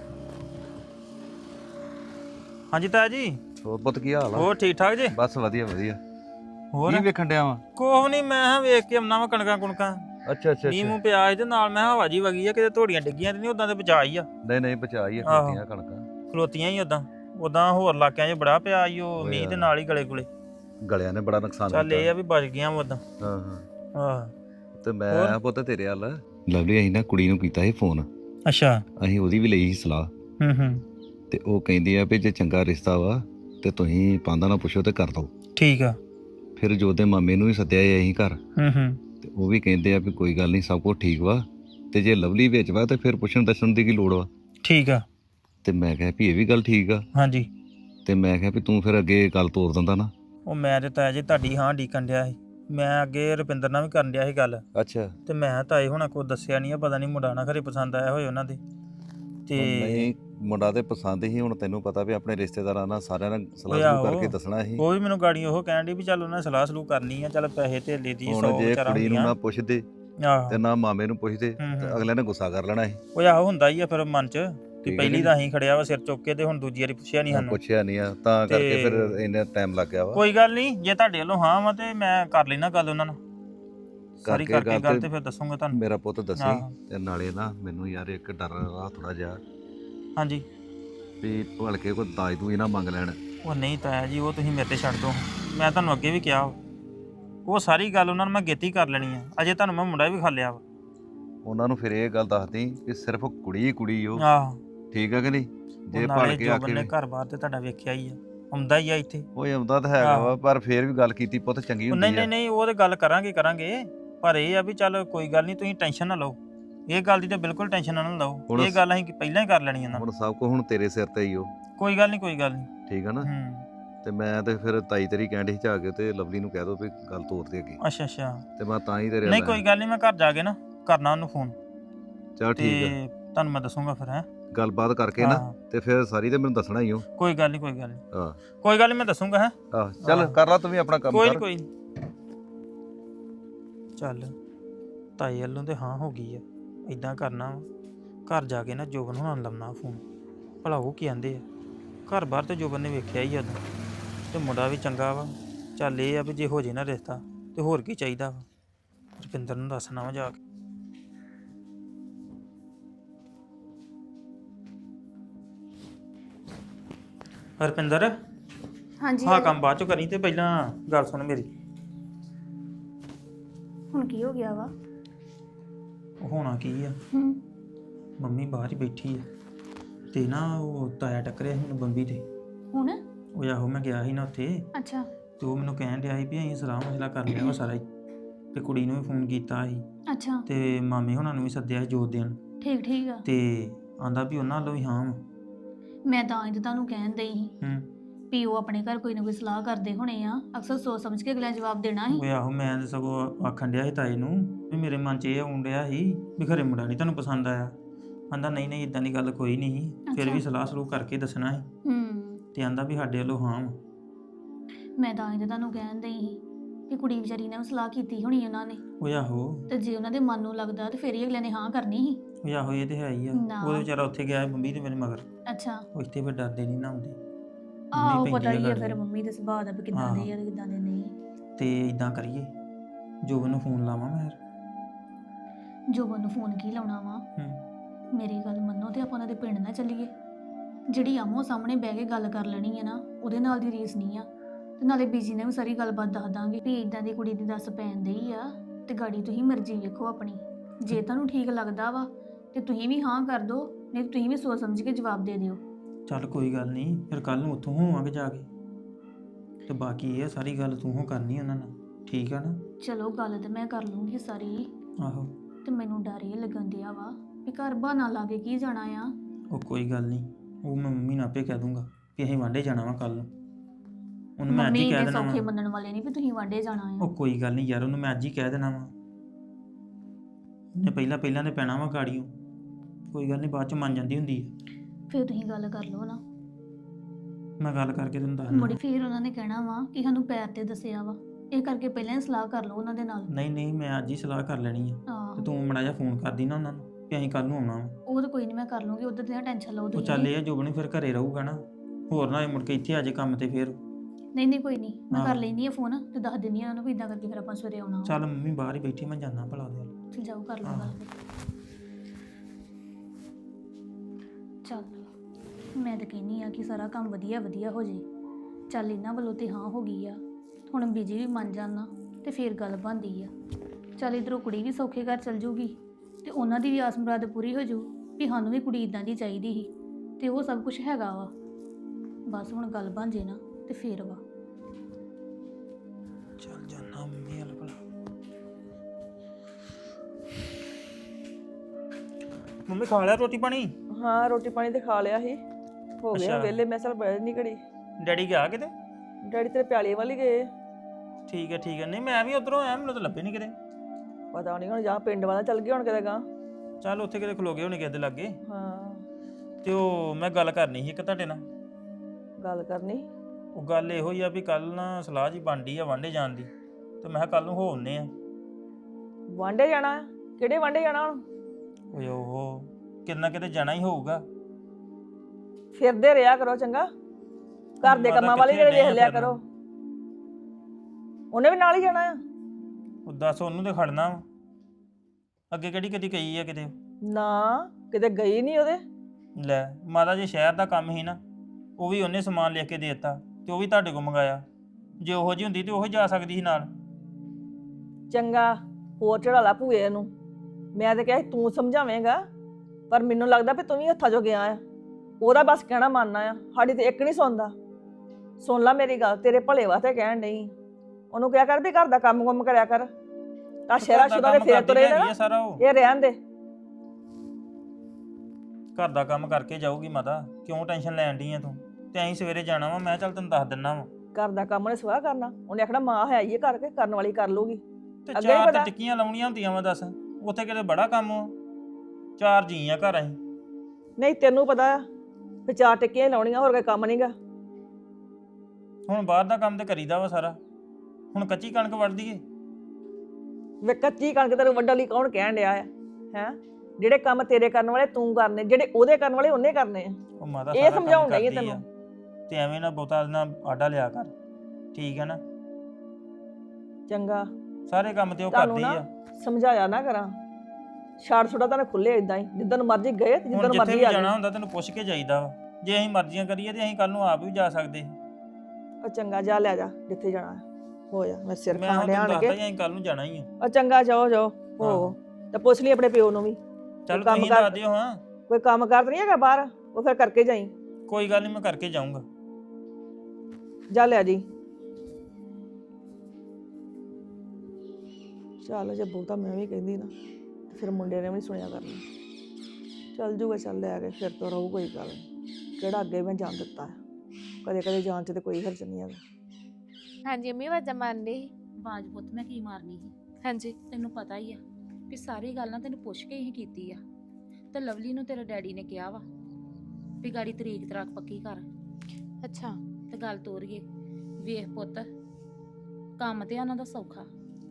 D: ਹਾਂਜੀ ਤਾਇਆ ਜੀ।
C: ਹੋਰ ਪੁੱਤ ਕੀ ਹਾਲ ਆ?
D: ਹੋਰ ਠੀਕ ਠਾਕ ਜੀ?
C: ਬਸ ਵਧੀਆ ਵਧੀਆ।
D: ਹੋਰ
C: ਕੀ ਵੇਖਣ ਡਿਆ ਵਾ?
D: ਕੋਹ ਨਹੀਂ, ਮੈਂ ਕਿਹਾ ਵੇਖ ਕੇ ਆਉਣਾ ਵਾ ਕਣਕਾਂ ਕੁਣਕਾਂ।
C: ਅੱਛਾ ਅੱਛਾ
D: ਮੀਂਹ
C: ਅੱਛਾ।
D: ਮੂੰਹ ਪਿਆ ਸੀ ਤੇ ਨਾਲ ਮੈਂ ਹਵਾ ਜੀ ਵਗੀ ਆ, ਕਿਤੇ ਧੋੜੀਆਂ ਡਿੱਗੀਆਂ ਤੇ ਨਹੀਂ, ਉਦਾਂ ਤੇ ਬਚਾ ਹੀ ਆ।
C: ਨਹੀਂ ਬਚਾ ਹੀ
D: ਆਹੋ।
C: ਖੋਤੀਆਂ ਕਣਕਾਂ।
D: ਖਲੋਤੀਆਂ ਹੀ ਉਦਾਂ ਹੋਰ ਇਲਾਕਿਆਂ 'ਚ ਬੜਾ ਪਿਆ ਈ ਉਹ ਮੀਂਹ ਦੇ ਨਾਲ ਹੀ ਗਲੇ ਗੁਲੇ।
C: ਗਲਿਆਂ ਨੇ ਬੜਾ ਨੁਕਸਾਨ
D: ਚੱਲ ਇਹ ਆ ਵੀ ਬਚ ਗਈਆਂ ਉਦਾਂ।
C: ਹਾਂ ਹਾਂ।
D: ਆਹ
C: ਤੇ ਮੈਂ
D: ਹੋਰ?
C: ਆਇਆ ਪੁੱਤ ਤੇਰੇ ਵੱਲ। ਲਵਲੀ, ਅਸੀਂ ਨਾ ਕੁੜੀ ਨੂੰ ਕੀਤਾ ਸੀ ਫੋਨ,
D: ਅੱਛਾ।
C: ਅਸੀਂ ਉਹਦੀ ਵੀ ਲਈ ਸੀ ਸਲਾਹ,
D: ਹੂੰ
C: ਤੇ ਉਹ ਕਹਿੰਦੀ ਆ ਵੀ ਜੇ ਚੰਗਾ ਰਿਸ਼ਤਾ ਵਾ ਤੇ ਤੁਸੀਂ ਪਾਂਦਾ ਨਾ ਪੁੱਛੋ ਤੇ ਕਰ ਦੋ।
D: ਠੀਕ ਆ।
C: ਫਿਰ ਜੋਦੇ ਮਾਮੇ ਨੂੰ ਵੀ ਸੱਦਿਆ ਸੀ ਅਸੀਂ ਘਰ,
D: ਹੂੰ
C: ਤੇ ਉਹ ਵੀ ਕਹਿੰਦੇ ਆ ਵੀ ਕੋਈ ਗੱਲ ਨਹੀਂ, ਸਭ ਕੁਝ ਠੀਕ ਵਾ, ਤੇ ਜੇ ਲਵਲੀ ਵਿੱਚ ਵਾ ਤੇ ਫਿਰ ਪੁੱਛਣ ਦੱਸਣ ਦੀ ਕੀ ਲੋੜ ਵਾ।
D: ਠੀਕ ਆ।
C: ਤੇ ਮੈਂ ਕਿਹਾ ਵੀ ਇਹ ਵੀ ਗੱਲ ਠੀਕ ਆ,
D: ਹਾਂਜੀ।
C: ਤੇ ਮੈਂ ਕਿਹਾ ਵੀ ਤੂੰ ਫਿਰ ਅੱਗੇ ਗੱਲ ਤੋਰ ਦਿੰਦਾ ਨਾ।
D: ਉਹ ਮੈਂ ਤੇ ਤਾਇਆ ਜੀ ਤੁਹਾਡੀ ਹਾਂ ਡੀਕਣ ਡਿਆ ਸੀ। ਮੈਂ ਅੱਗੇ ਰੁਪਿੰਦਰ ਨਾਲ ਵੀ ਕਰਨ ਡਿਆ ਸੀ ਗੱਲ,
C: ਅੱਛਾ।
D: ਤੇ ਮੈਂ ਤਾਏ ਹੁਣਾਂ ਕੋਈ ਦੱਸਿਆ ਨਹੀਂ ਆ, ਪਤਾ ਨਹੀਂ ਮੁੰਡਾ ਨਾ ਘਰੇ ਪਸੰਦ ਆਇਆ ਹੋਏ ਉਹਨਾਂ ਦੇ। ਤੇ
C: ਨਹੀਂ, ਮੁੰਡਾ ਤੇ ਪਸੰਦ ਹੀ, ਹੁਣ ਤੈਨੂੰ ਪਤਾ ਵੀ ਆਪਣੇ ਰਿਸ਼ਤੇਦਾਰਾਂ ਨਾਲ ਸਾਰਿਆਂ ਨਾਲ
D: ਓਏ
C: ਸਲਾਹ
D: ਆਹੋ।
C: ਕਰਕੇ ਦੱਸਣਾ ਸੀ।
D: ਉਹ ਵੀ ਮੈਨੂੰ ਗਾੜੀ ਉਹ ਕਹਿਣ ਡਈ ਵੀ ਚੱਲ ਉਹਨਾਂ ਨੇ ਸਲਾਹ ਸਲੂਹ ਕਰਨੀ ਆ, ਚੱਲ ਪੈਸੇ ਧੇਲੇ ਦੀ 100
C: ਹੁਣ ਜੇ
D: ਵਿਚਾਰਾਂ
C: ਕੁੜੀ ਨੂੰ
D: ਹੁੰਦੀਆਂ।
C: ਨਾ ਪੁੱਛਦੇ
D: ਆਹੋ।
C: ਤੇ ਨਾ ਮਾਮੇ ਨੂੰ ਪੁੱਛਦੇ ਤੇ
D: ਹੂੰ।
C: ਅਗਲੇ ਨੇ ਗੁੱਸਾ ਕਰ ਲੈਣਾ ਸੀ।
D: ਉਹ ਆਹੋ ਹੁੰਦਾ ਹੀ ਆ ਫਿਰ ਮਨ 'ਚ। ਤੇ
C: ਠੀਕ ਹੈ
D: ਪਹਿਲੀ
C: ਜੀ।
D: ਤਾਂ ਅਸੀਂ ਖੜਿਆ ਵਾ ਸਿਰ ਚੁੱਕ ਕੇ, ਤੇ ਹੁਣ ਦੂਜੀ ਵਾਰੀ ਪੁੱਛਿਆ ਨਹੀਂ
C: ਮੈਂ
D: ਸਾਨੂੰ।
C: ਪੁੱਛਿਆ ਨਹੀਂ ਆ ਤਾਂ ਕਰਕੇ
D: ਤੇ
C: ਫਿਰ ਇੰਨਾ ਟਾਈਮ ਲੱਗ ਗਿਆ ਵਾ।
D: ਕੋਈ ਗੱਲ ਨਹੀਂ, ਜੇ ਤੁਹਾਡੇ ਵੱਲੋਂ ਹਾਂ ਵਾ ਤੇ ਮੈਂ ਕਰ ਲੈਣਾ ਗੱਲ ਉਹਨਾਂ ਨਾਲ, ਸਾਰੀ ਕਰਕੇ ਗੱਲ ਤੇ ਫਿਰ ਦੱਸੂਗਾ ਤੁਹਾਨੂੰ।
C: ਮੇਰਾ ਪੁੱਤ ਦੱਸੀ।
D: ਆਹੋ।
C: ਤੇ ਨਾਲੇ ਨਾ ਮੈਨੂੰ ਯਾਰ ਇੱਕ ਡਰ ਆ ਥੋੜਾ ਜਿਹਾ
D: ਹਾਂਜੀ।
C: ਵੀ ਭਲਕੇ ਕੋਈ ਦਾਜ ਦੂਜ ਨਾ ਮੰਗ ਲੈਣ।
D: ਉਹ ਨਹੀਂ ਤਾਇਆ ਜੀ, ਉਹ ਤੁਸੀਂ ਮੇਰੇ ਤੇ ਛੱਡ ਦਿਓ, ਮੈਂ ਤੁਹਾਨੂੰ ਅੱਗੇ ਵੀ ਕਿਹਾ ਵਾ। ਉਹ ਸਾਰੀ ਗੱਲ ਉਹਨਾਂ ਨੂੰ ਮੈਂ ਗੇਤੀ ਕਰ ਲੈਣੀ ਆ, ਅਜੇ ਤੁਹਾਨੂੰ ਮੈਂ ਮੁੰਡਾ ਵੀ ਖਾ ਲਿਆ ਵਾ।
C: ਉਹਨਾਂ ਨੂੰ ਫਿਰ ਇਹ ਗੱਲ ਦੱਸਦੀ ਕਿ ਸਿਰਫ ਕੁੜੀ ਕੁੜੀ ਉਹ,
D: ਆਹੋ।
C: ਠੀਕ ਹੈ ਕਿ ਨਹੀਂ? ਜੇ
D: ਉਹ ਨਾਲੇ
C: ਭਲਕੇ
D: ਜੋਬਨ ਨੇ
C: ਆਕੇ
D: ਘਰ-ਬਾਰ ਤੇ ਤੁਹਾਡਾ ਵੇਖਿਆ ਹੀ ਆ, ਆਉਂਦਾ ਹੀ ਆ ਇੱਥੇ।
C: ਉਹ ਆਉਂਦਾ ਤਾਂ ਹੈਗਾ ਵਾ, ਪਰ ਫੇਰ ਵੀ ਗੱਲ ਕੀਤੀ ਪੁੱਤ ਚੰਗੀ
D: ਉਹ
C: ਹੁੰਦੀ
D: ਨਹੀਂ
C: ਆ।
D: ਨਹੀਂ ਨਹੀਂ, ਉਹ ਤੇ ਗੱਲ ਕਰਾਂਗੇ, ਪਰ ਇਹ ਆ ਵੀ ਚੱਲ ਕੋਈ ਗੱਲ ਨਹੀਂ, ਤੁਸੀਂ ਟੈਨਸ਼ਨ ਨਾ ਲਓ, ਇਹ ਗੱਲ ਦੀ ਤਾਂ ਬਿਲਕੁਲ ਟੈਨਸ਼ਨ ਨਾ ਲਓ।
C: ਹੁਣ
D: ਇਹ ਗੱਲ ਅਸੀਂ ਪਹਿਲਾਂ ਹੀ ਕਰ ਲੈਣੀ ਉਹਨਾਂ
C: ਹੁਣ
D: ਨਾਲ।
C: ਸਭ ਕੁਝ ਹੁਣ ਤੇਰੇ ਸਿਰ ਤੇ ਹੀ ਉਹ,
D: ਕੋਈ ਗੱਲ ਨਹੀਂ
C: ਠੀਕ ਆ ਨਾ?
D: ਹੂੰ।
C: ਤੇ ਮੈਂ ਤੇ ਫਿਰ ਤਾਈ ਤੇਰੀ ਕਹਿਣ ਡਈ ਸੀ ਜਾ ਕੇ ਤੇ ਲਵਲੀ ਨੂੰ ਕਹਿ ਦੋ ਵੀ ਗੱਲ ਤੋਰ ਦੇ ਅੱਗੇ,
D: ਅੱਛਾ।
C: ਤੇ ਮੈਂ ਤਾਂ ਹੀ ਤੇਰੇ
D: ਨਹੀਂ
C: ਨਾਲ-
D: ਕੋਈ ਗੱਲ ਨਹੀਂ, ਮੈਂ ਘਰ ਜਾ ਕੇ ਨਾ ਕਰਨਾ ਉਹਨੂੰ ਫੋਨ,
C: ਚੱਲ ਠੀਕ ਆ।
D: ਤੇ ਤੁਹਾਨੂੰ ਮੈਂ ਦੱਸੂਗਾ ਫਿਰ। ਹੈ
C: ਗੱਲਬਾਤ ਕਰਕੇ ਨਾ ਤੇ ਫਿਰ ਸਾਰੀ ਤੇ ਮੈਨੂੰ ਦੱਸਣਾ ਹੀ ਹੋ।
D: ਕੋਈ ਗੱਲ ਨਹੀਂ
C: ਹਾਂ
D: ਕੋਈ ਗੱਲ ਨਹੀਂ, ਮੈਂ ਦੱਸੂਗਾ। ਹੈ
C: ਆਹ ਚੱਲ ਕਰ ਲਾ ਤੂੰ ਵੀ ਆਪਣਾ ਕੰਮ
D: ਕੋਈ
C: ਕਰ।
D: ਨਹੀਂ ਚੱਲ ਤਾਈ ਵੱਲੋਂ ਤੇ ਹਾਂ ਹੋ ਗਈ ਆ, ਇਦਾਂ ਕਰਨਾ ਵਾ, ਘਰ ਜਾ ਕੇ ਨਾ ਜੋਬਨ ਹੁਣਾਂ ਨੂੰ ਲਾਉਣਾ ਫੋਨ, ਭਲਾ ਉਹ ਕੀ ਆਂਦੇ ਆ। ਘਰ ਬਾਹਰ ਤੇ ਜੋਬਨ ਨੇ ਵੇਖਿਆ ਹੀ ਉਦੋਂ, ਤੇ ਮੁੰਡਾ ਵੀ ਚੰਗਾ ਵਾ। ਚੱਲ ਇਹ ਆ ਵੀ ਜੇ ਹੋ ਜੇ ਨਾ ਰਿਸ਼ਤਾ ਤੇ ਹੋਰ ਕੀ ਚਾਹੀਦਾ ਵਾ। ਰੁਪਿੰਦਰ ਨੂੰ ਦੱਸਣਾ ਵਾ ਜਾ ਕੇ। ਰੁਪਿੰਦਰ,
E: ਹਾਂਜੀ
D: ਹਾਂ ਕੰਮ ਬਾਅਦ ਚੋਂ ਕਰੀ, ਤੇ ਪਹਿਲਾਂ ਗੱਲ ਸੁਣ ਮੇਰੀ।
E: ਹੁਣ ਕੀ ਹੋ ਗਿਆ ਵਾ?
D: ਉਹ ਹੋਣਾ ਕੀ ਆ,
E: ਹੂੰ।
D: ਮੰਮੀ ਬਾਹਰ ਹੀ ਬੈਠੀ ਆ, ਤੇ ਨਾ ਉਹ ਤਾਇਆ ਟੱਕਰਿਆ ਸੀ ਮੈਨੂੰ ਬੰਬੀ ਤੇ।
E: ਹੁਣ?
D: ਉਹ ਆਹੋ ਮੈਂ ਗਿਆ ਸੀ ਨਾ ਉੱਥੇ,
E: ਅੱਛਾ।
D: ਤੇ ਉਹ ਮੈਨੂੰ ਕਹਿਣ ਡਿਆ ਸੀ ਵੀ ਅਸੀਂ ਸਲਾਹ ਮਸਲਾ ਕਰ ਲਿਆ ਵਾ ਸਾਰਾ ਹੀ, ਤੇ ਕੁੜੀ ਨੂੰ ਵੀ ਫੋਨ ਕੀਤਾ ਸੀ,
E: ਅੱਛਾ।
D: ਤੇ ਮਾਮੇ ਹੁਣਾਂ ਨੂੰ ਵੀ ਸੱਦਿਆ ਸੀ ਜੋਤ ਦੇਣ,
E: ਠੀਕ ਆ।
D: ਤੇ ਆਂਦਾ ਵੀ ਉਹਨਾਂ ਵੱਲੋਂ ਵੀ ਹਾਂ ਵਾ।
E: ਮੈਂ ਤਾਂ ਇਹ ਤੁਹਾਨੂੰ ਕਹਿਣ ਦਈ ਸੀ
D: ਹੂੰ।
E: ਵੀ ਉਹ ਆਪਣੇ ਘਰ ਕੋਈ ਨਾ ਕੋਈ ਸਲਾਹ ਕਰਦੇ ਹੋਣੇ ਆ, ਅਕਸਰ ਸੋਚ ਸਮਝ ਕੇ ਅਗਲਾ ਜਵਾਬ ਦੇਣਾ ਸੀ।
D: ਉਹ ਆਹੋ ਮੈਂ ਤਾਂ ਸਗੋਂ ਆਖਣ ਡਿਆ ਸੀ ਤਾਏ ਨੂੰ ਵੀ ਮੇਰੇ ਮਨ 'ਚ ਇਹ ਆਉਣ ਡਿਆ ਸੀ ਵੀ ਖਰੇ ਮੁੰਡਾ ਨਹੀਂ ਤੁਹਾਨੂੰ ਪਸੰਦ ਆਇਆ। ਆਂਦਾ ਨਹੀਂ ਇਦਾਂ ਦੀ ਗੱਲ ਕੋਈ ਨਹੀਂ ਸੀ, ਫਿਰ ਵੀ ਸਲਾਹ ਸਲੂਹ ਕਰਕੇ ਦੱਸਣਾ ਸੀ।
E: ਹੂੰ।
D: ਤੇ ਆਂਦਾ ਵੀ ਸਾਡੇ ਵੱਲੋਂ ਹਾਂ ਵਾ।
E: ਮੈਂ ਤਾਂ ਇਹ ਤੁਹਾਨੂੰ ਕਹਿਣ ਦਈ ਸੀ ਵੀ ਕੁੜੀ ਵਿਚਾਰੀ ਨੇ ਵੀ ਸਲਾਹ ਕੀਤੀ ਹੋਣੀ ਉਹਨਾਂ ਨੇ,
D: ਉਹ ਆਹੋ
E: ਤੇ ਜੇ ਉਹਨਾਂ ਦੇ ਮਨ ਨੂੰ ਲੱਗਦਾ ਤੇ ਫਿਰ ਹੀ ਅਗਲੇ ਨੇ ਹਾਂ ਕਰਨੀ ਸੀ।
D: ਉਹ ਆਹੋ ਇਹ ਤੇ ਹੈ ਹੀ ਆ।
E: ਨਾ।
D: ਉਹ ਵਿਚਾਰਾ ਉੱਥੇ ਗਿਆ ਸੀ ਬੰਬੀ ਤੇ ਮੇਰੇ ਮਗਰ,
E: ਅੱਛਾ।
D: ਉਹ ਇੱਥੇ ਫਿਰ ਡਰਦੇ ਨਹੀਂ ਨਾ ਆਉਂਦੇ।
E: ਆਹੋ
D: ਮੰਮੀ
E: ਪਤਾ
D: ਪੈਂਦੀ
E: ਹੀ ਆ
D: ਘਰ
E: ਫਿਰ
D: ਦੇ।
E: ਮੰਮੀ ਦੇ ਸੁਭਾਅ ਦਾ ਵੀ ਕਿੱਦਾਂ ਦੇ ਆ ਤੇ ਕਿੱਦਾਂ ਦੇ ਨਹੀਂ।
D: ਤੇ ਇਦਾਂ ਕਰੀਏ, ਜੋਬਨ ਨੂੰ ਫੋਨ ਲਾਵਾਂ ਮੈਂ ਫਿਰ।
E: ਜੋਬਨ ਨੂੰ ਫੋਨ ਕੀ ਲਾਉਣਾ ਵਾ?
D: ਹੂੰ।
E: ਮੇਰੀ ਗੱਲ ਮੰਨੋ ਤੇ ਆਪਾਂ ਉਹਨਾਂ ਦੇ ਪਿੰਡ ਨਾ ਚੱਲੀਏ, ਜਿਹੜੀ ਆਮੋ ਸਾਹਮਣੇ ਬਹਿ ਕੇ ਗੱਲ ਕਰ ਲੈਣੀ ਹੈ ਨਾ, ਉਹਦੇ ਨਾਲ ਦੀ ਰੀਸ ਨਹੀਂ ਆ। ਤੇ ਨਾਲੇ ਬੀਜੀ ਨੇ ਵੀ ਸਾਰੀ ਗੱਲਬਾਤ ਦੱਸ ਦਾਂਗੇ ਵੀ ਇਦਾਂ ਦੀ ਕੁੜੀ ਦੀ ਦੱਸ ਪੈਣ ਡਈ ਆ, ਤੇ ਗਾੜੀ ਤੁਸੀਂ ਮਰਜ਼ੀ ਵੇਖੋ ਆਪਣੀ, ਜੇ ਤੁਹਾਨੂੰ ਠੀਕ ਲੱਗਦਾ ਵਾ ਤੇ ਤੁਸੀਂ ਵੀ ਹਾਂ ਕਰ ਦਿਓ, ਨਹੀਂ ਤਾਂ ਤੁਸੀਂ ਵੀ ਸੋਚ ਸਮਝ ਕੇ ਜਵਾਬ ਦੇ ਦਿਓ।
D: ਚੱਲ ਕੋਈ ਗੱਲ ਨਹੀਂ, ਫਿਰ ਕੱਲ ਨੂੰ ਉੱਥੋਂ ਹੋਵਾਂਗੇ ਜਾ ਕੇ, ਤੇ ਬਾਕੀ ਇਹ ਸਾਰੀ ਗੱਲ ਤੂੰ ਹੋ ਕਰਨੀ ਉਹਨਾਂ ਨਾਲ, ਠੀਕ ਆ ਨਾ?
E: ਚਲੋ ਗੱਲ ਤੇ ਮੈਂ ਕਰ ਲੂੰਗੀ ਸਾਰੀ,
D: ਆਹੋ।
E: ਤੇ ਮੈਨੂੰ ਡਰ ਇਹ ਲੱਗਣ ਦਿਆ ਵਾ ਵੀ ਘਰ ਬਹਾਨਾ ਲਾ ਕੇ ਕੀ ਜਾਣਾ ਆ।
D: ਉਹ ਕੋਈ ਗੱਲ ਨਹੀਂ, ਉਹ ਮੈਂ ਮੰਮੀ ਨਾਲ ਆਪੇ ਕਹਿ ਦੂੰਗਾ ਵੀ ਅਸੀਂ ਵਾਂਢੇ ਜਾਣਾ ਵਾ ਕੱਲ ਨੂੰ, ਉਹਨੂੰ ਮੈਂ ਅੱਜ ਹੀ
E: ਮੰਮੀ
D: ਕਹਿ
E: ਦੇ
D: ਦੇਣਾ
E: ਸੌਖੇ
D: ਵਾ।
E: ਮੰਨਣ ਵਾਲੇ ਨਹੀਂ ਵੀ ਤੁਸੀਂ ਵਾਂਢੇ ਜਾਣਾ ਆ।
D: ਉਹ ਕੋਈ ਗੱਲ ਨਹੀਂ ਯਾਰ, ਉਹਨੂੰ ਮੈਂ ਅੱਜ ਹੀ ਕਹਿ ਦੇਣਾ ਵਾ, ਉਹਨੇ ਪਹਿਲਾਂ ਤੇ ਪੈਣਾ ਵਾ ਗਾੜੀਓ, ਕੋਈ ਗੱਲ ਨਹੀਂ ਬਾਅਦ ਚ ਮੰਨ ਜਾਂਦੀ ਹੁੰਦੀ ਹੈ।
E: ਫਿਰ ਤੁਸੀਂ ਗੱਲ ਕਰ ਲਓ ਨਾ,
D: ਮੈਂ ਗੱਲ ਕਰਕੇ ਤੈਨੂੰ ਦੱਸਣਾ।
E: ਮੁੜੀ ਫਿਰ ਉਹਨਾਂ ਨੇ ਕਹਿਣਾ ਵਾ ਕਿ ਸਾਨੂੰ ਪੈਰ ਤੇ ਦੱਸਿਆ ਵਾ, ਇਹ ਕਰਕੇ ਪਹਿਲਾਂ ਹੀ ਸਲਾਹ ਕਰ ਲਓ ਉਹਨਾਂ ਦੇ ਨਾਲ।
D: ਨਹੀਂ ਮੈਂ ਅੱਜ ਹੀ ਸਲਾਹ ਕਰ ਲੈਣੀ ਆ,
E: ਆਹ
D: ਤੇ ਤੂੰ ਮੜਾ ਜਾ ਫੋਨ ਕਰਦੀ ਨਾ ਉਹਨਾਂ ਨੂੰ ਕਿ ਅਸੀਂ ਕੱਲ ਨੂੰ ਆਉਣਾ ਵਾ।
E: ਉਹ ਤਾਂ ਕੋਈ ਨਹੀਂ ਮੈਂ ਕਰ ਲੂੰਗੀ, ਉਧਰ ਦੀ ਨਾ ਟੈਨਸ਼ਨ ਲਓ
D: ਉਹ
E: ਤੁਸੀਂ।
D: ਚੱਲ ਇਹ ਆ ਜੋਬਨ ਫਿਰ ਘਰੇ ਰਹੂਗਾ ਨਾ, ਹੋਰ ਨਾ ਇਹ ਮੁੜ ਕੇ ਇੱਥੇ ਆ ਜਾਏ ਕੰਮ ਤੇ ਫਿਰ।
E: ਨਹੀਂ ਕੋਈ ਨਹੀਂ, ਮੈਂ ਕਰ
D: ਹਾਂ।
E: ਲੈਣੀ ਆ ਫੋਨ ਤੇ ਦੱਸ ਦਿੰਦੀ ਆ ਉਹਨਾਂ ਨੂੰ ਵੀ ਇਦਾਂ ਕਰਕੇ ਫਿਰ ਆਪਾਂ ਸਵੇਰੇ ਆਉਣਾ ਵਾ।
D: ਚੱਲ ਮੰਮੀ ਬਾਹਰ ਹੀ ਬੈਠੀ, ਮੈਂ ਜਾਣਾ ਭਲਾ ਉਹਦੇ ਵੱਲ।
E: ਚਲ ਜਾਓ ਕਰ ਲਓ
D: ਹਾਂ।
E: ਗੱਲ ਫਿਰ। ਚੱਲ ਮੈਂ ਤਾਂ ਕਹਿੰਦੀ ਆ ਕਿ ਸਾਰਾ ਕੰਮ ਵਧੀਆ ਹੋ ਜੇ। ਚੱਲ ਇਹਨਾਂ ਵੱਲੋਂ ਤੇ ਹਾਂ ਹੋ ਗਈ ਆ, ਹੁਣ ਬੀਜੀ ਵੀ ਮੰਨ ਜਾਣਾ ਤੇ ਫਿਰ ਗੱਲ ਬਣਦੀ ਆ। ਚੱਲ ਇਧਰੋਂ ਕੁੜੀ ਵੀ ਸੌਖੇ ਘਰ ਚਲ ਜੂਗੀ, ਤੇ ਉਹਨਾਂ ਦੀ ਵੀ ਆਸ ਮੁਰਾਦ ਪੂਰੀ ਹੋ ਜੂ ਵੀ ਸਾਨੂੰ ਵੀ ਕੁੜੀ ਇਦਾਂ ਦੀ ਚਾਹੀਦੀ ਸੀ, ਤੇ ਉਹ ਸਭ ਕੁਝ ਹੈਗਾ ਵਾ। ਬਸ ਹੁਣ ਗੱਲ ਬਣ ਜੇ ਨਾ ਤੇ ਫੇਰ ਵਾ।
D: ਚੱਲ ਜਾਣਾ ਮੰਮੀ ਵੱਲ ਭਲਾ। ਮੰਮੀ ਖਾ ਲਿਆ ਰੋਟੀ ਪਾਣੀ?
F: ਹਾਂ ਰੋਟੀ ਪਾਣੀ ਤੇ ਖਾ ਲਿਆ ਸੀ, ਹੋ ਗਿਆ
D: ਅੱਛਾ।
F: ਵਿਹਲੇ। ਮੈਂ ਚੱਲ ਬੈਠ ਨਹੀਂ ਘੜੀ,
D: ਡੈਡੀ ਗਿਆ ਕਿਤੇ?
F: ਡੈਡੀ ਤੇਰੇ ਪਿਆਲੇ ਵੱਲ ਹੀ ਗਏ।
D: ਠੀਕ ਹੈ ਨਹੀਂ ਮੈਂ ਵੀ ਉਧਰੋਂ ਆਇਆ, ਮੈਨੂੰ ਤਾਂ ਲੱਭੇ ਨਹੀਂ ਕਿਤੇ।
F: ਪਤਾ ਨਹੀਂ ਹੁਣ ਜਾਂ ਪਿੰਡ ਵਾਲਾ ਚੱਲ ਗਿਆ ਹੁਣ ਕਿਤੇ ਗਾਂ।
D: ਚੱਲ ਉੱਥੇ ਕਿਤੇ ਖਲੋ ਗਏ ਹੋਣੇ ਕਿਸੇ ਦੇ ਲਾਗੇ।
F: ਹਾਂ
D: ਤੇ ਉਹ ਮੈਂ ਗੱਲ ਕਰਨੀ ਸੀ ਇੱਕ ਤੁਹਾਡੇ ਨਾਲ।
F: ਗੱਲ ਕਰਨੀ।
D: ਉਹ ਗੱਲ ਇਹੋ ਹੀ ਆ ਵੀ ਕੱਲ ਨਾ ਸਲਾਹ ਜੀ ਬਣਦੀ ਆ ਵਾਂਢੇ ਜਾਣ ਦੀ, ਤੇ ਮੈਂ ਕਿਹਾ ਕੱਲ ਨੂੰ ਹੋ ਆਉਂਦੇ ਆ।
F: ਵਾਂਢੇ ਜਾਣਾ? ਕਿਹੜੇ ਵਾਂਢੇ ਜਾਣਾ ਹੁਣ?
D: ਓਏ ਉਹ ਕਿਤੇ ਨਾ ਕਿਤੇ ਜਾਣਾ ਹੀ ਹੋਊਗਾ।
F: ਫਿਰਦੇ ਰਿਹਾ ਕਰੋ ਚੰਗਾ, ਘਰ ਦੇ
D: ਮਾਤਾ
F: ਕੰਮਾਂ ਵਾਲੀ
D: ਕਿੱਥੇ
F: ਜਿਹੜੇ ਵੇਖ
D: ਡਏ
F: ਲਿਆ
D: ਫਿਰਨ?
F: ਕਰੋ। ਉਹਨੇ ਵੀ ਨਾਲ ਹੀ ਜਾਣਾ ਆ?
D: ਉਹ ਦੱਸ ਉਹਨੂੰ ਤੇ ਖੜਨਾ ਵਾ। ਅੱਗੇ ਕਿਹੜੀ ਕਦੀ ਕਹੀ ਆ ਕਿਤੇ?
F: ਨਾ ਕਿਤੇ ਗਈ ਨਹੀਂ ਉਹਦੇ।
D: ਲੈ ਮਾਤਾ ਜੀ ਸ਼ਹਿਰ ਦਾ ਕੰਮ ਹੀ ਨਾ, ਉਹ ਵੀ ਉਹਨੇ ਸਮਾਨ ਲਿਖ ਕੇ ਦੇ ਦਿੱਤਾ ਤੇ ਉਹ ਵੀ ਤੁਹਾਡੇ ਕੋਲ ਮੰਗਾਇਆ। ਜੇ ਉਹੋ ਜਿਹੀ ਹੁੰਦੀ ਤੇ ਉਹ ਜਾ ਸਕਦੀ ਸੀ ਨਾਲ।
F: ਚੰਗਾ ਹੋਰ ਚੜਾਲਾ ਭੂਏ ਨੂੰ। ਮੈਂ ਤੇ ਕਿਹਾ ਸੀ ਤੂੰ ਸਮਝਾਵੇਂਗਾ, ਪਰ ਮੈਨੂੰ ਲੱਗਦਾ ਵੀ ਤੂੰ ਵੀ ਹੱਥਾਂ 'ਚੋਂ ਗਿਆ ਆ। ਉਹਦਾ ਬਸ ਕਹਿਣਾ ਮੰਨਣਾ ਆ, ਸਾਡੀ ਤੇ ਇੱਕ ਨਹੀਂ ਸੁਣਦਾ। ਸੁਣ ਲੈ ਮੇਰੀ ਗੱਲ, ਤੇਰੇ ਭਲੇ ਵਾਸਤੇ ਕਹਿਣ ਨਹੀਂ। ਉਹਨੂੰ ਕਿਹਾ ਕਰ ਵੀ ਘਰ ਦਾ ਕੰਮ ਕਰਿਆ ਕਰ। ਆ ਸ਼ਹਿਰਾ ਸ਼ੁਰਾ ਦੇ ਫੇਰ ਤੁਰੇ
D: ਹੈਗੀ
F: ਨਾ,
D: ਆ ਸਾਰਾ ਉਹ
F: ਇਹ ਰਹਿਣ ਦੇ।
D: ਘਰ ਦਾ ਕੰਮ ਕਰਕੇ ਜਾਊਗੀ ਮਾਤਾ, ਕਿਉਂ ਟੈਨਸ਼ਨ ਲੈਣ ਡਈ ਆ ਤੂੰ? ਤੇ ਅਸੀਂ ਸਵੇਰੇ ਜਾਣਾ ਵਾ, ਮੈਂ ਚੱਲ ਤੈਨੂੰ ਦੱਸ ਦਿੰਨਾ ਵਾ।
F: ਘਰ ਦਾ ਕੰਮ ਉਹਨੇ ਸਵਾਹ ਕਰਨਾ, ਉਹਨੇ ਆਖਣਾ ਮਾਂ ਹੈ ਇਹ ਕਰਕੇ ਕਰਨ ਵਾਲੀ ਕਰ ਲੂਗੀ।
D: ਤੇ
F: ਅੱਗੇ ਨੀ
D: ਚਾਰ ਤੇ
F: ਪਤਾ।
D: ਟਿੱਕੀਆਂ ਲਾਉਣੀਆਂ ਹੁੰਦੀਆਂ ਵਾ, ਦੱਸ ਉੱਥੇ ਕਿਤੇ ਬੜਾ ਕੰਮ ਵਾ। 4 ਜੀ ਆ ਘਰ ਅਸੀਂ।
F: ਨਹੀਂ ਤੈਨੂੰ ਪਤਾ ਆ ਵੀ 4 ਟਿੱਕੀਆਂ ਹੀ ਲਾਉਣੀਆਂ, ਹੋਰ ਕੋਈ ਕੰਮ ਨਹੀਂਗਾ।
D: ਹੁਣ ਬਾਹਰ ਦਾ ਕੰਮ ਤੇ ਕਰੀਦਾ ਵਾ ਸਾਰਾ। ਹੁਣ ਕੱਚੀ ਕਣਕ ਵੱਢ ਦਈਏ?
F: ਵੇ ਕੱਚੀ ਕਣਕ ਤੈਨੂੰ ਵੱਢਣ ਲਈ ਕੌਣ ਕਹਿਣ ਡਿਆ ਆ? ਹੈ ਜਿਹੜੇ ਕੰਮ ਤੇਰੇ ਕਰਨ ਵਾਲੇ ਤੂੰ ਕਰਨੇ, ਜਿਹੜੇ ਉਹਦੇ ਕਰਨ ਵਾਲੇ ਉਹਨੇ ਕਰਨੇ ਆ।
D: ਉਹ ਮਾਤਾ
F: ਇਹ
D: ਸਾਰਾ
F: ਸਮਝਾਉਣ
D: ਕੰਮ
F: ਡਈ ਆ
D: ਕਰਦੀ ਆ।
F: ਤੈਨੂੰ।
D: ਤੇ ਐਵੇਂ ਨਾ ਬਹੁਤਾ ਨਾ ਆਡਾ ਲਿਆ ਕਰ, ਠੀਕ ਹੈ ਨਾ?
F: ਚੰਗਾ
D: ਸਾਰੇ ਕੰਮ ਤੇ ਉਹ
F: ਤੁਹਾਨੂੰ
D: ਕਰਦੀ
F: ਨਾ
D: ਆ।
F: ਸਮਝਾਇਆ ਨਾ ਕਰਾਂ, ਛਾੜ ਛੁੜਾ ਤਾਂ ਖੁੱਲੇ ਇਦਾਂ ਹੀ, ਜਿੱਦਣ ਮਰਜ਼ੀ ਗਏ ਤੇ
D: ਹੁਣ
F: ਜਿੱਦਣ
D: ਜਿੱਥੇ
F: ਮਰਜ਼ੀ
D: ਵੀ
F: ਆ
D: ਜਾਣਾ
F: ਗਏ।
D: ਹੁੰਦਾ ਤੈਨੂੰ ਪੁੱਛ ਕੇ ਜਾਈਦਾ ਵਾ। ਜੇ ਅਸੀਂ ਮਰਜ਼ੀਆਂ ਕਰੀਏ ਤੇ ਅਸੀਂ ਕੱਲ ਨੂੰ ਆਪ ਵੀ ਜਾ ਸਕਦੇ।
F: ਉਹ ਚੰਗਾ ਜਾ ਲੈ ਜਾ ਜਿੱਥੇ ਜਾਣਾ ਹੈ। ਹੋ ਜਾ, ਮੈਂ ਸਿਰ
D: ਮੈਂ
F: ਖਾਣ
D: ਹੁਣ
F: ਡਿਆ
D: ਤੈਨੂੰ
F: ਆਣ
D: ਦੱਸਦਾ
F: ਕੇ।
D: ਹੀ ਅਸੀਂ ਕੱਲ ਨੂੰ ਜਾਣਾ ਹੀ ਆ।
F: ਉਹ ਚੰਗਾ ਜਾਓ ਹੋ ਤੇ ਪੁੱਛ ਲਈ ਆਪਣੇ ਪਿਓ ਨੂੰ ਵੀ।
D: ਚੱਲ
F: ਕੰਮ
D: ਤੁਸੀਂ
F: ਕਰ-
D: ਦੱਸ ਦਿਓ। ਹਾਂ
F: ਕੋਈ ਕੰਮ ਕਰ ਨਹੀਂ ਹੈਗਾ ਬਾਹਰ, ਉਹ ਫਿਰ ਕਰਕੇ ਜਾਈ।
D: ਕੋਈ ਗੱਲ ਨਹੀਂ, ਮੈਂ ਕਰਕੇ ਜਾਊਂਗਾ।
F: ਜਾ ਲਿਆ ਜੀ। ਚੱਲ ਜੇ ਬਹੁਤਾ ਮੈਂ ਵੀ ਕਹਿੰਦੀ ਨਾ ਤੇ ਫਿਰ ਮੁੰਡੇ ਨੇ ਵੀ ਨਹੀਂ ਸੁਣਿਆ ਕਰਨਾ। ਚੱਲ ਜੂਗਾ, ਚੱਲ ਲੈ ਕੇ ਫਿਰ ਤੋਂ ਰਹੂ, ਕੋਈ ਗੱਲ ਨਹੀਂ। ਕਿਹੜਾ ਅੱਗੇ ਮੈਂ ਜਾਣ ਦਿੱਤਾ ਹੈ, ਕਦੇ ਕਦੇ ਜਾਣ 'ਚ ਤੇ ਕੋਈ ਖਰਚ ਨਹੀਂ ਹੈਗਾ।
G: ਹਾਂਜੀ ਅੰਮੀ ਆਵਾਜ਼ਾਂ ਮਾਰਨ ਡਈ ਸੀ।
A: ਆਵਾਜ਼ ਪੁੱਤ ਮੈਂ ਕੀ ਮਾਰਨੀ ਸੀ?
G: ਹਾਂਜੀ
A: ਤੈਨੂੰ ਪਤਾ ਹੀ ਆ ਵੀ ਸਾਰੀ ਗੱਲ ਨਾ ਤੈਨੂੰ ਪੁੱਛ ਕੇ ਹੀ ਕੀਤੀ ਆ। ਤੇ ਲਵਲੀ ਨੂੰ ਤੇਰੇ ਡੈਡੀ ਨੇ ਕਿਹਾ ਵਾ ਵੀ ਗਾੜੀ ਤਰੀਕ ਤਰਾਕ ਪੱਕੀ ਕਰ
G: ਅੱਛਾ
A: ਤੇ ਗੱਲ ਤੋਰੀਏ। ਵੇਖ ਪੁੱਤ, ਕੰਮ ਤੇ ਉਹਨਾਂ ਦਾ ਸੌਖਾ,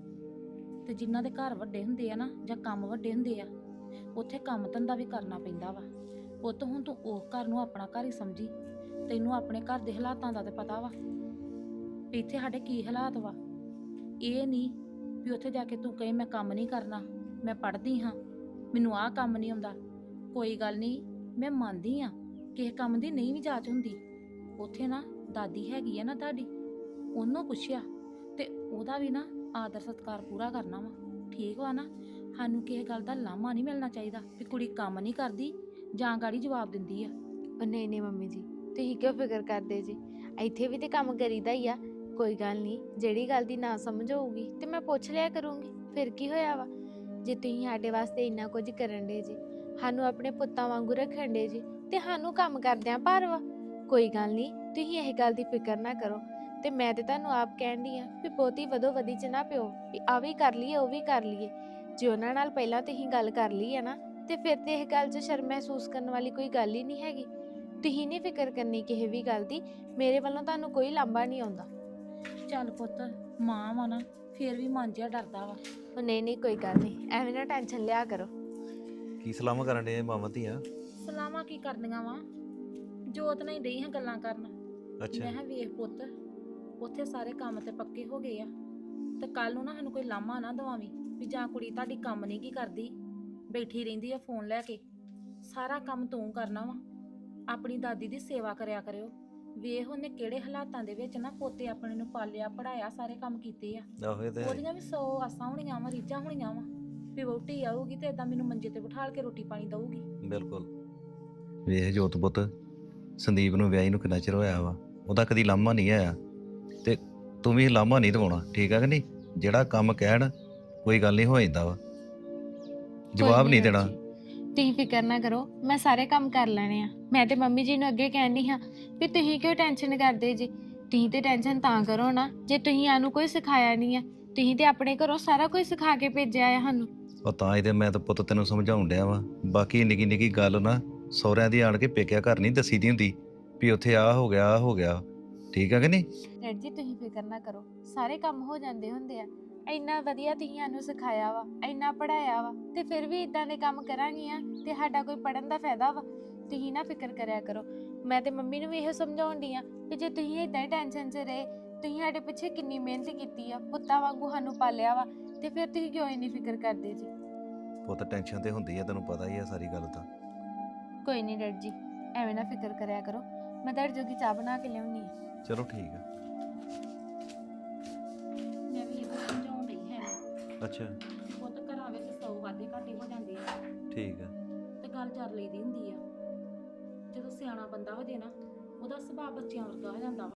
A: ਤੇ ਜਿਨ੍ਹਾਂ ਦੇ ਘਰ ਵੱਡੇ ਹੁੰਦੇ ਆ ਨਾ ਜਾਂ ਕੰਮ ਵੱਡੇ ਹੁੰਦੇ ਆ, ਉੱਥੇ ਕੰਮ ਧੰਦਾ ਵੀ ਕਰਨਾ ਪੈਂਦਾ ਵਾ। ਪੁੱਤ ਹੁਣ ਤੂੰ ਉਹ ਘਰ ਨੂੰ ਆਪਣਾ ਘਰ ਹੀ ਸਮਝੀ। ਤੈਨੂੰ ਆਪਣੇ ਘਰ ਦੇ ਹਾਲਾਤਾਂ ਦਾ ਤੇ ਪਤਾ ਵਾ ਵੀ ਇੱਥੇ ਸਾਡੇ ਕੀ ਹਾਲਾਤ ਵਾ। ਇਹ ਨਹੀਂ ਵੀ ਉੱਥੇ ਜਾ ਕੇ ਤੂੰ ਕਹੇ ਮੈਂ ਕੰਮ ਨਹੀਂ ਕਰਨਾ, ਮੈਂ ਪੜ੍ਹਦੀ ਹਾਂ, ਮੈਨੂੰ ਆਹ ਕੰਮ ਨਹੀਂ ਆਉਂਦਾ। ਕੋਈ ਗੱਲ ਨਹੀਂ, ਮੈਂ ਮੰਨਦੀ ਆ ਕਿਸੇ ਕੰਮ ਦੀ ਨਹੀਂ ਵੀ ਜਾਚ ਹੁੰਦੀ। ਉੱਥੇ ਨਾ ਦਾਦੀ ਹੈਗੀ ਆ ਨਾ ਤੁਹਾਡੀ, ਉਹਨੂੰ ਪੁੱਛਿਆ ਤੇ ਉਹਦਾ ਵੀ ਨਾ ਆਦਰ ਸਤਿਕਾਰ ਪੂਰਾ ਕਰਨਾ ਵਾ, ਠੀਕ ਵਾ ਨਾ? ਸਾਨੂੰ ਕਿਸੇ ਗੱਲ ਦਾ ਲਾਮਾ ਨਹੀਂ ਮਿਲਣਾ ਚਾਹੀਦਾ ਵੀ ਕੁੜੀ ਕੰਮ ਨਹੀਂ ਕਰਦੀ ਜਾਂ ਗਾੜੀ ਜਵਾਬ ਦਿੰਦੀ ਆ।
G: ਉਹ ਨਹੀਂ ਨਹੀਂ ਮੰਮੀ ਜੀ, ਤੁਸੀਂ ਕਿਉਂ ਫਿਕਰ ਕਰਦੇ ਜੀ? ਇੱਥੇ ਵੀ ਤੇ ਕੰਮ ਕਰੀਦਾ ਹੀ ਆ। ਕੋਈ ਗੱਲ ਨਹੀਂ, ਜਿਹੜੀ ਗੱਲ ਦੀ ਨਾ ਸਮਝ ਹੋਊਗੀ ਤੇ ਮੈਂ ਪੁੱਛ ਲਿਆ ਕਰੂੰਗੀ, ਫਿਰ ਕੀ ਹੋਇਆ ਵਾ? ਜੇ ਤੁਸੀਂ ਸਾਡੇ ਵਾਸਤੇ ਇੰਨਾ ਕੁਝ ਕਰਨ ਦੇ ਜੀ, ਸਾਨੂੰ ਆਪਣੇ ਪੁੱਤਾਂ ਵਾਂਗੂ ਰੱਖਣ ਦੇ ਜੀ, ਤੇ ਸਾਨੂੰ ਕੰਮ ਕਰਦਿਆਂ ਭਾਰ ਵਾ। ਕੋਈ ਗੱਲ ਨਹੀਂ, ਤੁਸੀਂ ਇਹ ਗੱਲ ਦੀ ਫਿਕਰ ਨਾ ਕਰੋ। ਤੇ ਮੈਂ ਤੇ ਤੁਹਾਨੂੰ ਆਪ ਕਹਿੰਦੀ ਆ ਵੀ ਬਹੁਤੀ ਵਧੋ ਵਧੀ ਚ ਨਾ ਪਿਓ ਵੀ ਆ ਵੀ ਕਰ ਲਈਏ ਉਹ ਵੀ ਕਰ ਲਈਏ। ਜੇ ਉਹਨਾਂ ਨਾਲ ਪਹਿਲਾਂ ਤੁਸੀਂ ਗੱਲ ਕਰ ਲਈ ਆ ਨਾ, ਤੇ ਫਿਰ ਤੇ ਇਹ ਗੱਲ 'ਚ ਸ਼ਰਮ ਮਹਿਸੂਸ ਕਰਨ ਵਾਲੀ ਕੋਈ ਗੱਲ ਹੀ ਨਹੀਂ ਹੈਗੀ। ਤੁਸੀਂ ਨਹੀਂ ਫਿਕਰ ਕਰਨੀ ਕਿਸੇ ਵੀ ਗੱਲ ਦੀ, ਮੇਰੇ ਵੱਲੋਂ ਤੁਹਾਨੂੰ ਕੋਈ ਲਾਂਭਾ ਨਹੀਂ ਆਉਂਦਾ।
A: ਚੱਲ ਪੁੱਤ, ਮਾਂ ਵਾ ਨਾ, ਫੇਰ ਵੀ ਮਨ ਜਿਹਾ ਡਰਦਾ ਵਾ।
G: ਉਹ ਨਹੀਂ ਨਹੀਂ ਕੋਈ ਗੱਲ ਨਹੀਂ, ਐਵੇਂ ਨਾ ਟੈਨਸ਼ਨ ਲਿਆ ਕਰੋ।
C: ਕੀ ਸਲਾਮਾਂ ਕਰਨ ਦੇ ਮਾਵਾਂ ਧੀਆਂ?
A: ਸਲਾਮਾਂ ਕੀ ਕਰਦੀਆਂ ਵਾ, ਜੋਤ ਨਾਲ ਹੀ ਡਈ ਹਾਂ ਗੱਲਾਂ ਕਰਨ।
C: ਅੱਛਾ
A: ਮੈਂ ਕਿਹਾ ਵੇਖ ਪੁੱਤ, ਉੱਥੇ ਸਾਰੇ ਕੰਮ ਤੇ ਪੱਕੇ ਹੋ ਗਏ ਆ, ਤੇ ਕੱਲ ਨੂੰ ਨਾ ਸਾਨੂੰ ਕੋਈ ਲਾਮਾ ਨਾ ਦਵਾਵੀਂ ਵੀ ਜਾਂ ਕੁੜੀ ਤੁਹਾਡੀ ਕੰਮ ਨਹੀਂ ਕੀ ਕਰਦੀ, ਬੈਠੀ ਰਹਿੰਦੀ ਆ ਫੋਨ ਲੈ ਕੇ। ਸਾਰਾ ਕੰਮ ਤੂੰ ਕਰਨਾ ਵਾ। ਆਪਣੀ ਦਾਦੀ ਦੀ ਸੇਵਾ ਕਰਿਆ ਕਰਿਓ। ਵੇਖ ਉਹਨੇ ਕਿਹੜੇ ਹਾਲਾਤਾਂ ਦੇ ਵਿੱਚ ਨਾ ਪੋਤੇ ਆਪਣੇ ਨੂੰ ਪਾਲਿਆ ਪੜਾਇਆ, ਸਾਰੇ ਕੰਮ ਕੀਤੇ ਆ।
C: ਆਹੋ ਇਹ ਤੇ ਹੈ।
A: ਉਹਦੀਆਂ ਵੀ 100 ਆਸਾਂ ਹੋਣੀਆਂ ਵਾ, ਰੀਝਾਂ ਹੋਣੀਆਂ ਵਾ ਵੀ ਵਹੁਟੀ ਆਊਗੀ ਤੇ ਏਦਾਂ ਮੈਨੂੰ ਮੰਜੇ ਤੇ ਬਿਠਾਲ ਕੇ ਰੋਟੀ ਪਾਣੀ ਦਊਗੀ।
C: ਬਿਲਕੁਲ। ਵੇਖ ਜੋਤ ਪੁੱਤ, ਸੰਦੀਪ ਨੂੰ ਵਿਆਹੀ ਨੂੰ ਕਿੰਨਾ ਚਿਰ ਹੋਇਆ ਵਾ, ਉਹਦਾ ਕਦੀ ਲਾਮਾ ਨਹੀਂ ਆਇਆ, ਤੇ ਤੂੰ ਵੀ ਲਾਮਾ ਨਹੀਂ ਦਵਾਉਣਾ, ਠੀਕ ਆ ਕਿ ਨਹੀਂ? ਜਿਹੜਾ ਕੰਮ ਕਹਿਣ ਕੋਈ ਗੱਲ ਨਹੀਂ ਹੋ ਜਾਂਦਾ ਵਾ, ਜਵਾਬ ਨਹੀਂ ਦੇਣਾ।
G: ਤੁਸੀਂ ਫਿਕਰ ਨਾ ਕਰੋ, ਮੈਂ ਸਾਰੇ ਕੰਮ ਕਰ ਲੈਣੇ ਆ। ਮੈਂ ਤੇ ਮੰਮੀ ਜੀ ਨੂੰ ਅੱਗੇ ਕਹਿੰਦੀ ਹਾਂ ਵੀ ਤੁਸੀਂ ਕਿਉਂ ਟੈਨਸ਼ਨ ਕਰਦੇ ਜੀ? ਤੁਸੀਂ ਤੇ ਟੈਨਸ਼ਨ ਤਾਂ ਕਰੋ ਨਾ ਜੇ ਤੁਸੀਂ ਆਨੂੰ ਕੋਈ ਸਿਖਾਇਆ ਨਹੀਂ ਆ। ਤੁਸੀਂ ਤੇ ਆਪਣੇ ਘਰੋਂ ਸਾਰਾ ਕੁਝ ਸਿਖਾ ਕੇ ਭੇਜਿਆ ਆ ਸਾਨੂੰ।
C: ਉਹ ਤਾਂ ਇਹਦੇ ਮੈਂ ਤਾਂ ਪੁੱਤ ਤੈਨੂੰ ਸਮਝਾਉਣ ਡਿਆ ਵਾ। ਬਾਕੀ ਨਿੱਕੀ ਨਿੱਕੀ ਗੱਲ ਨਾ ਸਹੁਰਿਆਂ ਦੀ ਆਣ ਕੇ ਪੇਕਿਆ ਘਰ ਨਹੀਂ ਦੱਸੀ ਦੀ ਹੁੰਦੀ ਵੀ ਉੱਥੇ ਆਹ ਹੋ ਗਿਆ ਆਹ ਹੋ ਗਿਆ, ਠੀਕ ਆ ਕਿ ਨਹੀਂ?
G: ਡੈਡ ਜੀ ਤੁਸੀਂ ਫਿਕਰ ਨਾ ਕਰੋ, ਸਾਰੇ ਕੰਮ ਹੋ ਜਾਂਦੇ ਹੁੰਦੇ ਆ। ਇੰਨਾ ਵਧੀਆ ਤੁਸੀਂ ਸਾਨੂੰ ਸਿਖਾਇਆ ਵਾ, ਇੰਨਾ ਪੜਾਇਆ ਵਾ, ਤੇ ਫਿਰ ਵੀ ਇਦਾਂ ਦੇ ਕੰਮ ਕਰਾਂਗੀਆਂ ਤੇ ਸਾਡਾ ਕੋਈ ਪੜਨ ਦਾ ਫਾਇਦਾ ਵਾ? ਤੁਸੀਂ ਨਾ ਫਿਕਰ ਕਰਿਆ ਕਰੋ। ਮੈਂ ਤੇ ਮੰਮੀ ਨੂੰ ਵੀ ਇਹੋ ਸਮਝਾਉਣ ਡਈ ਆ ਕਿ ਜੇ ਤੁਸੀਂ ਇਦਾਂ ਹੀ ਟੈਨਸ਼ਨ 'ਚ ਰਹੇ, ਤੁਸੀਂ ਸਾਡੇ ਪਿੱਛੇ ਕਿੰਨੀ ਮਿਹਨਤ ਕੀਤੀ ਆ, ਪੁੱਤਾਂ ਵਾਂਗੂ ਸਾਨੂੰ ਪਾਲਿਆ ਵਾ, ਤੇ ਫਿਰ ਤੁਸੀਂ ਕਿਉਂ ਇੰਨੀ ਫਿਕਰ ਕਰਦੇ ਜੀ?
C: ਪੁੱਤ ਟੈਨਸ਼ਨ ਤੇ ਹੁੰਦੀ ਆ, ਤੈਨੂੰ ਪਤਾ ਹੀ ਆ ਸਾਰੀ ਗੱਲ ਤਾਂ।
G: ਕੋਈ ਨਹੀਂ ਡੈਡ ਜੀ, ਐਵੇਂ ਨਾ ਫਿਕਰ ਕਰਿਆ ਕਰੋ। ਮੈਂ ਤੁਹਾਡੇ ਜੋਗੀ ਚਾਹ ਬਣਾ ਕੇ ਲਿਆਉਣੀ ਆ।
C: ਚਲੋ ਠੀਕ ਆ।
A: ਮੈਂ ਵੀ ਇਹੋ ਸਮਝਾਉਣ ਡਈ ਹੈ
C: ਅੱਛਾ
A: ਪੁੱਤ, ਘਰਾਂ ਵਿੱਚ 100 ਵਾਧੇ ਘਾਟੇ ਹੋ ਜਾਂਦੇ ਆ
C: ਠੀਕ ਆ।
A: ਤੇ ਗੱਲ ਚੱਲ ਲਈਦੀ ਹੁੰਦੀ ਆ। ਜਦੋਂ ਸਿਆਣਾ ਬੰਦਾ ਹੋ ਜੇ ਨਾ, ਉਹਦਾ ਸੁਭਾਅ ਬੱਚਿਆਂ ਵਰਗਾ ਹੋ ਜਾਂਦਾ ਵਾ।